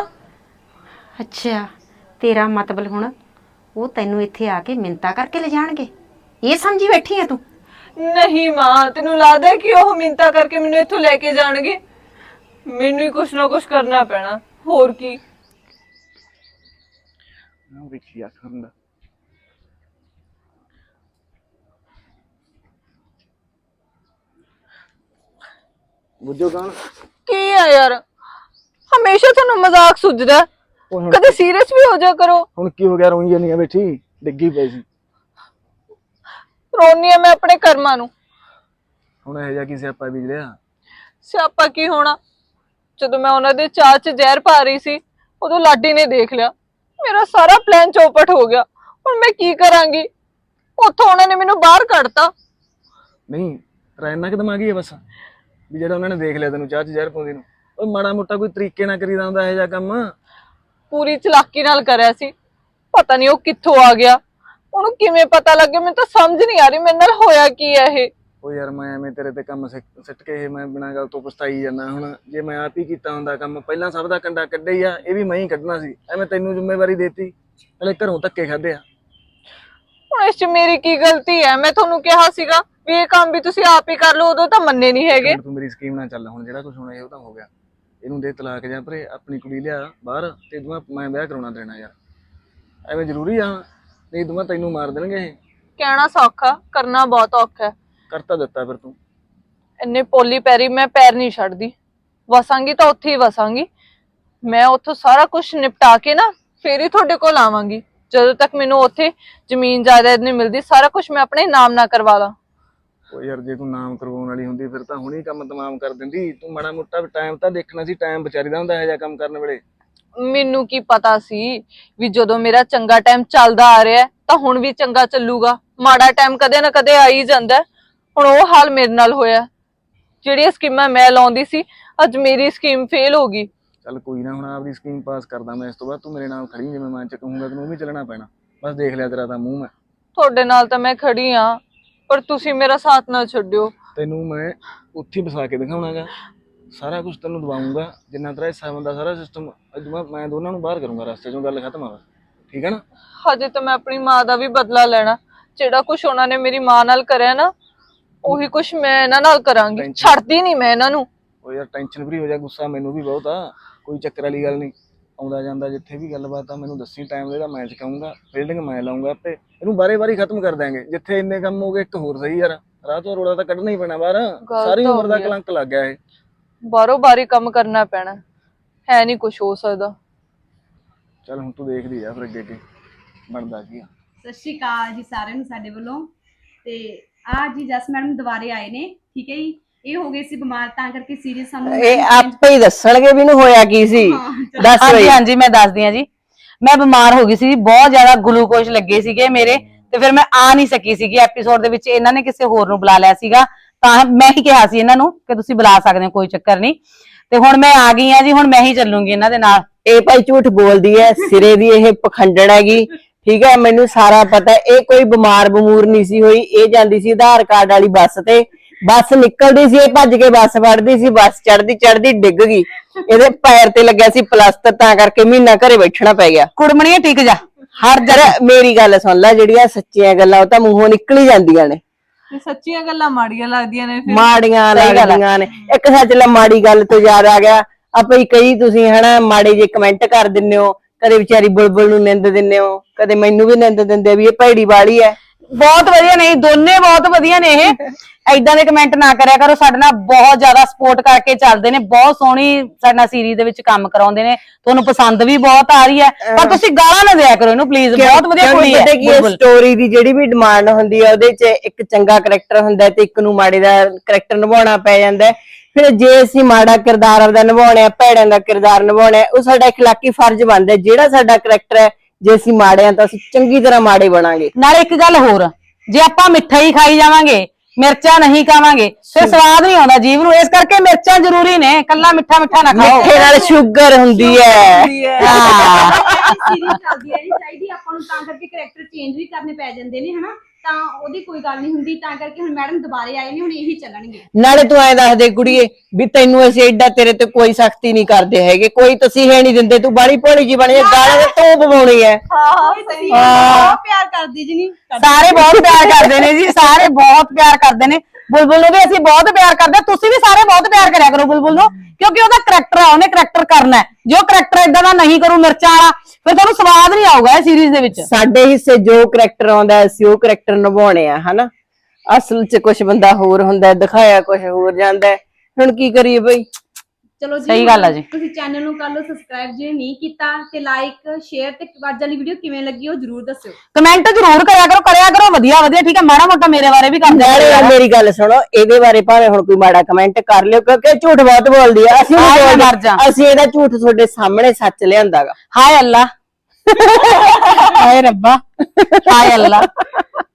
ਅੱਛਾ, ਤੇਰਾ ਮਤਲਬ ਹੁਣ ਉਹ ਤੈਨੂੰ ਇੱਥੇ ਆ ਕੇ ਮਿੰਤਾ ਕਰਕੇ ਲੈ ਜਾਣਗੇ, ਇਹ ਸਮਝੀ ਬੈਠੀ ਆ ਤੂੰ? ਨਹੀਂ ਮਾਂ, ਤੈਨੂੰ ਲੱਗਦਾ ਕਿ ਉਹ ਮਿੰਤਾ ਕਰਕੇ ਮੈਨੂੰ ਇੱਥੋਂ ਲੈ ਕੇ ਜਾਣਗੇ? ਮੈਨੂੰ ਹੀ ਕੁਛ ਨਾ ਕੁਛ ਕਰਨਾ ਪੈਣਾ, ਹੋਰ ਕੀ। ਵੇਖੀ ਆ ਕਰਨ ਦਾ ਬੁੱਝੋ ਕੌਣ? ਕੀ ਆ ਯਾਰ, ਹਮੇਸ਼ਾ ਤੁਹਾਨੂੰ ਮਜ਼ਾਕ ਸੁਝਦਾ, ਕਦੇ ਸੀਰੀਅਸ ਵੀ ਹੋ ਜਾ ਕਰੋ। ਹੁਣ ਕੀ ਹੋ ਗਿਆ? ਰੋਈ ਜਾਨੀ ਆ ਬੈਠੀ, ਡਿੱਗੀ ਪਈ ਸੀ। ਰੋਨੀ ਆ ਮੈਂ ਆਪਣੇ ਕਰਮਾਂ ਨੂੰ। ਹੁਣ ਇਹ ਜਿਹਾ ਕੀ ਸਿਆਪਾ ਬੀਜ ਲਿਆ? ਸਿਆਪਾ ਕੀ ਹੋਣਾ, ਜਦੋਂ ਮੈਂ ਉਹਨਾਂ ਦੇ ਚਾਹ 'ਚ ਜ਼ਹਿਰ ਪਾ ਰਹੀ ਸੀ ਉਦੋਂ ਲਾਡੀ ਨੇ ਦੇਖ ਲਿਆ, ਮੇਰਾ ਸਾਰਾ ਪਲਾਨ ਚੌਪਟ ਹੋ ਗਿਆ। ਹੁਣ ਮੈਂ ਕੀ ਕਰਾਂਗੀ? ਉੱਥੋਂ ਉਹਨਾਂ ਨੇ ਮੈਨੂੰ ਬਾਹਰ ਕੱਢਤਾ। ਨਹੀਂ, ਤੇਰਾ ਇੰਨਾ ਕਿ ਦਿਮਾਗੀ ਹੈ ਬਸ ਵੀ ਜਿਹੜਾ ਉਹਨਾਂ ਨੇ ਦੇਖ ਲਿਆ ਤੈਨੂੰ ਚਾਹ 'ਚ ਜ਼ਹਿਰ ਪਾਉਂਦੀ ਨੂੰ? ਉਹ ਮਾੜਾ ਮੋਟਾ ਕੋਈ ਤਰੀਕੇ ਨਾਲ ਕਰੀਦਾ ਹੁੰਦਾ ਇਹ ਜਿਹਾ ਕੰਮ। ਪੂਰੀ ਚਲਾਕੀ ਨਾਲ ਕਰਿਆ ਸੀ, ਪਤਾ ਨਹੀਂ ਉਹ ਕਿੱਥੋਂ ਆ ਗਿਆ, ਉਹਨੂੰ ਕਿਵੇਂ ਪਤਾ ਲੱਗਿਆ, ਮੈਨੂੰ ਤਾਂ ਸਮਝ ਨਹੀਂ ਆ ਰਹੀ ਮੇਰੇ ਨਾਲ ਹੋਇਆ ਕੀ ਹੈ ਇਹ। ਉਹ ਯਾਰ ਮੈਂ ਐਵੇਂ ਤੇਰੇ ਤੇ ਕੰਮ ਸਿੱਟ ਕੇ ਇਹ ਮੈਂ ਬਿਨਾਂ ਗੱਲ ਤੋਂ ਪਛਤਾਈ ਜਾਂਦਾ। ਹੁਣ ਜੇ ਮੈਂ ਆਪ ਹੀ ਕੀਤਾ ਹੁੰਦਾ ਕੰਮ, ਪਹਿਲਾਂ ਸਭ ਦਾ ਕੰਡਾ ਕੱਢਿਆ ਹੀ ਆ, ਇਹ ਵੀ ਮੈਂ ਹੀ ਕੱਢਣਾ ਸੀ। ਐਵੇਂ ਤੈਨੂੰ ਜ਼ਿੰਮੇਵਾਰੀ ਦੇਤੀ, ਹਲੇ ਘਰੋਂ ਧੱਕੇ ਖਾਦੇ ਆ। ਹੁਣ ਇਸ 'ਚ ਮੇਰੀ ਕੀ ਗਲਤੀ ਹੈ? ਮੈਂ ਤੁਹਾਨੂੰ ਕਿਹਾ ਸੀਗਾ ਵੀ ਇਹ ਕੰਮ ਵੀ ਤੁਸੀਂ ਆਪ ਹੀ ਕਰ ਲਓ, ਉਦੋਂ ਤਾਂ ਮੰਨੇ ਨਹੀਂ ਹੈਗੇ। ਤੂੰ ਮੇਰੀ ਸਕੀਮ ਨਾਲ ਚੱਲ, ਹੁਣ ਜਿਹੜਾ ਕੁਝ ਹੋਣਾ ਇਹ ਉਹ ਤਾਂ ਹੋ ਗਿਆ। ਇਹਨੂੰ ਦੇ ਤਲਾਕ ਜਾਂ ਭਰੇ, ਆਪਣੀ ਕੁੜੀ ਲਿਆ ਬਾਹਰ ਤੇ ਦੂਆ ਮੈਂ ਵਿਆਹ ਕਰਾਉਣਾ ਦੇਣਾ। ਯਾਰ ਐਵੇਂ ਜ਼ਰੂਰੀ ਆ? ਨਹੀਂ ਦੂਆ ਤੈਨੂੰ ਮਾਰ ਦੇਣਗੇ ਇਹ। ਕਹਿਣਾ ਸੌਖਾ, ਕਰਨਾ ਬਹੁਤ ਔਖਾ ਹੈ। ਕਰਤਾ ਦਿੱਤਾ ਫਿਰ ਤੂੰ। ਇੰਨੇ ਪੋਲੀ ਪੈਰੀ ਮੈਂ ਪੈਰ ਨਹੀਂ ਛੱਡਦੀ, ਵਸਾਂਗੀ ਤਾਂ ਉੱਥੇ ਹੀ ਵਸਾਂਗੀ। ਮੈਂ ਉੱਥੋਂ ਸਾਰਾ ਕੁਝ ਨਿਪਟਾ ਕੇ ਨਾ ਫੇਰ ਹੀ ਤੁਹਾਡੇ ਕੋਲ ਆਵਾਂਗੀ। ਜਦੋਂ ਤੱਕ ਮੈਨੂੰ ਉੱਥੇ ਜ਼ਮੀਨ ਜਾਇਦਾਦ ਨਹੀਂ ਮਿਲਦੀ, ਸਾਰਾ ਕੁਝ ਮੈਂ ਆਪਣੇ ਨਾਮ ਨਾ ਕਰਵਾ ਲਾਂ। ਉਹ ਯਾਰ ਜੇ ਤੂੰ ਨਾਮ ਕਰਵਾਉਣ ਵਾਲੀ ਹੁੰਦੀ ਫਿਰ ਤਾਂ ਹੁਣੀ ਕੰਮ ਤਮਾਮ ਕਰ ਦਿੰਦੀ। ਤੂੰ ਮਾੜਾ ਮੋਟਾ ਟਾਈਮ ਤਾਂ ਦੇਖਣਾ ਸੀ, ਟਾਈਮ ਵਿਚਾਰੀ ਦਾ ਹੁੰਦਾ ਇਹ ਜਿਹਾ ਕੰਮ ਕਰਨ ਵੇਲੇ। ਮੈਨੂੰ ਕੀ ਪਤਾ ਸੀ ਵੀ ਜਦੋਂ ਮੇਰਾ ਚੰਗਾ ਟਾਈਮ ਚੱਲਦਾ ਆ ਰਿਹਾ ਤਾਂ ਹੁਣ ਵੀ ਚੰਗਾ ਚੱਲੂਗਾ। ਮਾੜਾ ਟਾਈਮ ਕਦੇ ਨਾ ਕਦੇ ਆ ਹੀ ਜਾਂਦਾ। ਹੁਣ ਉਹ ਹਾਲ ਮੇਰੇ ਨਾਲ ਹੋਇਆ। ਜਿਹੜੀਆਂ ਸਕੀਮਾਂ ਮੈਂ ਲਾਉਂਦੀ ਸੀ, ਅੱਜ ਮੇਰੀ ਸਕੀਮ ਫੇਲ ਹੋ ਗਈ। ਚੱਲ ਕੋਈ ਨਾ, ਹੁਣ ਆਪਦੀ ਸਕੀਮ ਪਾਸ ਕਰਦਾ ਮੈਂ। ਇਸ ਤੋਂ ਬਾਅਦ ਤੂੰ ਮੇਰੇ ਨਾਲ ਖੜੀ, ਜਿਵੇਂ ਮੈਂ ਚ ਕਹੂੰਗਾ ਤੈਨੂੰ ਵੀ ਚੱਲਣਾ ਪੈਣਾ। ਬਸ ਦੇਖ ਲਿਆ ਤੇਰਾ ਤਾਂ ਮੂੰਹ ਮੈਂ। ਤੁਹਾਡੇ ਨਾਲ ਤਾਂ ਮੈਂ ਖੜੀ ਆ, ਪਰ ਤੁਸੀਂ ਮੇਰਾ ਸਾਥ ਨਾ ਛੱਡਿਓ। ਤੈਨੂੰ ਮੈਂ ਉੱਥੇ ਹੀ ਵਸਾ ਕੇ ਦਿਖਾਉਣਾਗਾ, ਸਾਰਾ ਕੁਝ ਤੈਨੂੰ ਦਵਾਉਂਗਾ। ਜਿੰਨਾ ਤੇਰਾ ਹਿੱਸਾ ਬੰਦਾ ਸਾਰਾ ਸਿਸਟਮ ਅੱਜ ਮੈਂ ਦੋਨਾਂ ਨੂੰ ਬਾਹਰ ਕਰੂੰਗਾ ਰਸਤੇ ਚੋਂ। ਗੱਲ ਖਤਮ ਆ, ਠੀਕ ਹੈ ਨਾ? ਹਜੇ ਤਾਂ ਮੈਂ ਆਪਣੀ ਮਾਂ ਦਾ ਵੀ ਬਦਲਾ ਲੈਣਾ। ਜਿਹੜਾ ਕੁਝ ਉਹਨਾਂ ਨੇ ਮੇਰੀ ਮਾਂ ਨਾਲ ਕਰਿਆ ਨਾ, ਉਹੀ ਕੁਝ ਮੈਂ ਇਹਨਾਂ ਨਾਲ ਕਰਾਂਗੀ। ਛੱਡਦੀ ਨਹੀਂ ਮੈਂ ਇਹਨਾਂ ਨੂੰ। ਉਹ ਯਾਰ ਟੈਨਸ਼ਨ ਫਰੀ ਹੋ ਜਾ, ਗੁੱਸਾ ਮੈਨੂੰ ਵੀ ਬਹੁਤ ਆ, ਕੋਈ ਚੱਕਰ ਵਾਲੀ ਗੱਲ ਨਹੀਂ। ਆਉਂਦਾ ਜਾਂਦਾ ਜਿੱਥੇ ਵੀ ਗੱਲਬਾਤ ਆ ਮੈਨੂੰ ਦੱਸੀ, ਟਾਈਮ ਦੇਦਾ ਮੈਂ ਚਕਾਉਂਗਾ, ਫੀਲਡਿੰਗ ਮੈਂ ਲਾਉਂਗਾ ਆਪੇ। ਇਹਨੂੰ ਬਾਰੇ ਖਤਮ ਕਰ ਦਾਂਗੇ। ਜਿੱਥੇ ਇੰਨੇ ਕੰਮ ਹੋ ਗਏ ਇੱਕ ਹੋਰ ਸਹੀ ਯਾਰ, ਰਾਹ ਤੋਂ ਰੋੜਾ ਤਾਂ ਕੱਢਣਾ ਹੀ ਪੈਣਾ ਬਾਹਰ। ਸਾਰੀ ਉਮਰ ਦਾ ਕਲੰਕ ਲੱਗ ਗਿਆ ਇਹ। ਬਾਰੋ ਬਾਰੀ ਕੰਮ ਕਰਨਾ ਪੈਣਾ, ਹੈ ਨਹੀਂ ਕੁਝ ਹੋ ਸਕਦਾ। ਚੱਲ ਹੁਣ ਤੂੰ ਦੇਖਦੀ ਆ ਫਿਰ ਅੱਗੇ ਅੱਗੇ ਬਣਦਾ ਕੀ ਆ। ਸਤਿ ਸ਼੍ਰੀ ਅਕਾਲ ਜੀ ਸਾਰਿਆਂ ਨੂੰ ਸਾਡੇ ਵੱਲੋਂ। ਤੇ ਆ ਜੀ ਜਸ ਮੈਡਮ ਦੁਬਾਰੇ ਆਏ ਨੇ, ਠੀਕ ਹੈ ਜੀ। ਇਹ ਹੋ ਗਈ ਸੀ ਬਿਮਾਰ ਤਾਂ ਕਰਕੇ ਸੀਰੀਅਸ ਸਾਨੂੰ ਇਹ ਆਪੇ ਹੀ ਦੱਸਣਗੇ ਵੀ ਇਹਨੂੰ ਹੋਇਆ ਕੀ ਸੀ। ਦੱਸ ਹਾਂਜੀ ਬਈ। ਹਾਂਜੀ ਮੈਂ ਦੱਸਦੀ ਹਾਂ ਜੀ। ਮੈਂ ਬਿਮਾਰ ਹੋ ਗਈ ਸੀ, ਬਹੁਤ ਜ਼ਿਆਦਾ ਗਲੂਕੋਜ਼ ਲੱਗੇ ਸੀਗੇ ਮੇਰੇ, ਤੇ ਫਿਰ ਮੈਂ ਆ ਨਹੀਂ ਸਕੀ ਸੀਗੀ ਐਪੀਸੋਡ ਦੇ ਵਿੱਚ। ਇਹਨਾਂ ਨੇ ਕਿਸੇ ਹੋਰ ਨੂੰ ਬੁਲਾ ਲਿਆ ਸੀਗਾ, ਤਾਂ ਮੈਂ ਹੀ ਕਿਹਾ ਸੀ ਇਹਨਾਂ ਨੂੰ ਕਿ ਤੁਸੀਂ ਬੁਲਾ ਸਕਦੇ ਹੋ, ਕੋਈ ਚੱਕਰ ਨਹੀਂ। ਤੇ ਹੁਣ ਮੈਂ ਆ ਗਈ ਆ ਜੀ, ਹੁਣ ਮੈਂ ਹੀ ਚੱਲੂੰਗੀ ਇਹਨਾਂ ਦੇ ਨਾਲ। ਇਹ ਭਾਈ ਝੂਠ ਬੋਲਦੀ ਹੈ, ਸਿਰੇ ਦੀ ਇਹ ਪਖੰਡਣ ਹੈਗੀ। ਠੀਕ ਹੈ, ਮੈਨੂੰ ਸਾਰਾ ਪਤਾ। ਇਹ ਕੋਈ ਬਿਮਾਰ ਬਮੂਰ ਨਹੀਂ ਸੀ ਹੋਈ। ਇਹ ਜਾਂਦੀ ਸੀ ਆਧਾਰ ਕਾਰਡ ਵਾਲੀ ਬੱਸ ਤੇ, ਬੱਸ ਨਿਕਲਦੀ ਸੀ, ਇਹ ਭੱਜ ਕੇ ਬੱਸ ਫੜਦੀ ਸੀ, ਬੱਸ ਚੜਦੀ ਡਿੱਗ ਗਈ। ਇਹਦੇ ਪੈਰ ਤੇ ਲੱਗਿਆ ਸੀ ਪਲਾਸਟਰ, ਤਾਂ ਕਰਕੇ ਮਹੀਨਾ ਘਰੇ ਬੈਠਣਾ ਪੈ ਗਿਆ। ਕੁੜਮਣੀਏ ਟਿਕ ਜਾ। ਹਰ ਜਗ੍ਹਾ ਮੇਰੀ ਗੱਲ ਸੁਣ ਲੈ, ਜਿਹੜੀਆਂ ਸੱਚੀਆਂ ਗੱਲਾਂ ਉਹ ਤਾਂ ਮੂੰਹੋਂ ਨਿਕਲ ਹੀ ਜਾਂਦੀਆਂ ਨੇ। ਸੱਚੀਆਂ ਗੱਲਾਂ ਮਾੜੀਆਂ ਲੱਗਦੀਆਂ ਨੇ ਫਿਰ। ਮਾੜੀਆਂ ਲੱਗਦੀਆਂ ਨੇ। ਇੱਕ ਸੱਚ ਲੈ, ਮਾੜੀ ਗੱਲ ਤੋਂ ਯਾਦ ਆ ਗਿਆ, ਆਪਾਂ ਹੀ ਕਈ ਤੁਸੀਂ ਹਨਾ ਮਾੜੇ ਜੇ ਕਮੈਂਟ ਕਰ ਦਿੰਦੇ ਹੋ, ਕਦੇ ਵਿਚਾਰੀ ਬੁਲਬੁਲ ਨੂੰ ਨਿੰਦ ਦਿੰਦੇ ਹੋ, ਕਦੇ ਮੈਨੂੰ ਵੀ ਨਿੰਦ ਦਿੰਦੇ ਵੀ ਇਹ ਭੈੜੀ ਵਾਲੀ ਹੈ। ਬਹੁਤ ਵਧੀਆ ਨੇ, ਦੋਨੇ ਬਹੁਤ ਵਧੀਆ ਨੇ। ਇਹ ਐਦਾਂ ਦੇ ਕਮੈਂਟ ਨਾ ਕਰਿਆ ਕਰੋ, ਸਾਡੇ ਨਾਲ ਬਹੁਤ ਜ਼ਿਆਦਾ ਸਪੋਰਟ ਕਰਕੇ ਚੱਲਦੇ ਨੇ, ਬਹੁਤ ਸੋਹਣੀ ਸਾਡੇ ਨਾਲ ਸੀਰੀਜ਼ ਦੇ ਵਿੱਚ ਕੰਮ ਕਰਾਉਂਦੇ ਨੇ, ਤੁਹਾਨੂੰ ਪਸੰਦ ਵੀ ਬਹੁਤ ਆ ਰਹੀ ਹੈ। ਪਰ ਤੁਸੀਂ ਗਾਲਾਂ ਨਾ ਦਿਆ ਕਰੋ ਇਹਨੂੰ ਪਲੀਜ਼, ਬਹੁਤ ਵਧੀਆ ਕੁੜੀ ਹੈ। ਸਟੋਰੀ ਦੀ ਜਿਹੜੀ ਵੀ ਡਿਮਾਂਡ ਹੁੰਦੀ ਹੈ, ਉਹਦੇ 'ਚ ਇੱਕ ਚੰਗਾ ਕਰੈਕਟਰ ਹੁੰਦਾ ਤੇ ਇੱਕ ਨੂੰ ਮਾੜੇ ਦਾ ਕਰੈਕਟਰ ਨਿਭਾਉਣਾ ਪੈ ਜਾਂਦਾ ਹੈ। ਫਿਰ ਜੇ ਅਸੀਂ ਮਾੜਾ ਕਿਰਦਾਰ ਆਪਦਾ ਨਿਭਾਉਣਾ, ਭੈੜਾਂ ਦਾ ਕਿਰਦਾਰ ਨਿਭਾਉਣਾ, ਉਹ ਸਾਡਾ ਇਖਲਾਕੀ ਫਰਜ਼ ਬਣਦਾ। ਜਿਹੜਾ ਸਾਡਾ ਕਰੈਕਟਰ ਹੈ, ਜੇ ਅਸੀਂ ਮਾੜੇ ਆ ਤਾਂ ਅਸੀਂ ਚੰਗੀ ਤਰ੍ਹਾਂ ਮਾੜੇ ਬਣਾਂਗੇ। ਨਾਲੇ ਇੱਕ ਗੱਲ ਹੋਰ, ਜੇ ਆਪਾਂ ਮਿੱਠਾ ਹੀ ਖਾਈ ਜਾਵਾਂਗੇ, ਮਿਰਚਾਂ ਨਹੀਂ ਖਾਵਾਂਗੇ, ਫਿਰ ਸਵਾਦ ਨਹੀਂ ਆਉਂਦਾ ਜੀਵ ਨੂੰ। ਇਸ ਕਰਕੇ ਮਿਰਚਾਂ ਜ਼ਰੂਰੀ ਨੇ, ਕੱਲਾ ਮਿੱਠਾ ਨਾ ਖਾਓ। ਮਿੱਠੇ ਨਾਲ ਸ਼ੂਗਰ ਹੁੰਦੀ ਹੈ। ਹਾਂ ਸੀਰੀਅਸ ਚੱਲਦੀ ਹੈ ਨਹੀਂ ਚਾਹੀਦੀ ਆਪਾਂ ਨੂੰ, ਤਾਂ ਕਰਕੇ ਕਰੈਕਟਰ ਚੇਂਜ ਵੀ ਕਰਨੇ ਪੈ ਜਾਂਦੇ ਨੇ ਹਨਾ, ਤਾਂ ਉਹਦੀ ਕੋਈ ਗੱਲ ਨਹੀਂ ਹੁੰਦੀ। ਤਾਂ ਕਰਕੇ ਹੁਣ ਮੈਡਮ ਦੁਬਾਰੇ ਆਏ ਨੇ, ਹੁਣ ਇਹੀ ਚੱਲਣਗੇ। ਨਾਲੇ ਤੂੰ ਐਂ ਦੱਸ ਦੇ ਕੁੜੀਏ ਵੀ ਤੈਨੂੰ ਅਸੀਂ ਏਡਾ ਤੇਰੇ ਤੇ ਕੋਈ ਸਖਤੀ ਨਹੀਂ ਕਰਦੇ ਹੈਗੇ, ਕੋਈ ਤਸੀਹੇ ਨਹੀਂ ਦਿੰਦੇ, ਤੂੰ ਬਾੜੀ ਭੋਲੀ ਜੀ ਬਣੀ, ਗਾਲਾਂ ਤੇ ਤੂੰ ਪਵਾਉਣੀ ਹੈ। ਬਹੁਤ ਪਿਆਰ ਕਰਦੀ ਜੀ। ਨਹੀਂ ਸਾਰੇ ਬਹੁਤ ਪਿਆਰ ਕਰਦੇ ਨੇ ਜੀ, ਸਾਰੇ ਬਹੁਤ ਪਿਆਰ ਕਰਦੇ ਨੇ। ਬੁਲਬੁਲ ਨੂੰ ਵੀ ਅਸੀਂ ਬਹੁਤ ਪਿਆਰ ਕਰਦੇ ਹਾਂ, ਤੁਸੀਂ ਵੀ ਸਾਰੇ ਬਹੁਤ ਪਿਆਰ ਕਰਿਆ ਕਰੋ ਬੁਲਬੁਲ ਨੂੰ, ਕਿਉਂਕਿ ਉਹਦਾ ਕਰੈਕਟਰ ਆ, ਉਹਨੇ ਕਰੈਕਟਰ ਕਰਨਾ ਹੈ। ਜੇ ਉਹ ਕਰੈਕਟਰ ਇਦਾਂ ਦਾ ਨਹੀਂ ਕਰੂ ਮਿਰਚਾਂ ਵਾਲਾ, ਫਿਰ ਤੁਹਾਨੂੰ ਸਵਾਦ ਨਹੀਂ ਆਊਗਾ ਇਹ ਸੀਰੀਜ਼ ਦੇ ਵਿੱਚ। ਸਾਡੇ ਹਿੱਸੇ ਜੋ ਕਰੈਕਟਰ ਆਉਂਦਾ ਅਸੀਂ ਉਹ ਕਰੈਕਟਰ ਨਿਭਾਉਣੇ ਆ ਹਨਾ। ਅਸਲ 'ਚ ਕੁਝ ਬੰਦਾ ਹੋਰ ਹੁੰਦਾ, ਦਿਖਾਇਆ ਕੁਝ ਹੋਰ ਜਾਂਦਾ। ਹੁਣ ਕੀ ਕਰੀਏ ਬਈ। ਚਲੋ ਜੀ, ਸਹੀ ਗੱਲ ਆ ਜੀ। ਤੁਸੀਂ ਚੈਨਲ ਨੂੰ ਕਰ ਲਓ ਸਬਸਕ੍ਰਾਈਬ ਜੇ ਨਹੀਂ ਕੀਤਾ, ਤੇ ਲਾਈਕ ਸ਼ੇਅਰ, ਤੇ ਅੱਜ ਵਾਲੀ ਵੀਡੀਓ ਕਿਵੇਂ ਲੱਗੀ ਉਹ ਜਰੂਰ ਦੱਸਿਓ। ਕਮੈਂਟ ਜ਼ਰੂਰ ਕਰਿਆ ਕਰੋ ਵਧੀਆ ਠੀਕ ਹੈ। ਮਾੜਾ ਮੋਟਾ ਮੇਰੇ ਬਾਰੇ ਵੀ ਕਰ ਦਿਆ ਨਾਲੇ ਕਰੋ। ਮੇਰੀ ਗੱਲ ਸੁਣੋ, ਇਹਦੇ ਬਾਰੇ ਭਾਵੇਂ ਹੁਣ ਕੋਈ ਮਾੜਾ ਕਮੈਂਟ ਕਰ ਲਿਓ, ਕਿਉਂਕਿ ਇਹ ਝੂਠ ਬਹੁਤ ਬੋਲਦੀ ਆ। ਅਸੀਂ ਨਹੀਂ ਹਾਏ ਮਰ ਬੋਲਦੇ, ਜਾ। ਅਸੀਂ ਇਹਦਾ ਝੂਠ ਤੁਹਾਡੇ ਸਾਹਮਣੇ ਸੱਚ ਲਿਆਂਦਾਗਾ। ਹਾਏ ਅੱਲਾ ਹਾਏ ਰੱਬਾ ਹਾਏ ਅੱਲਾ।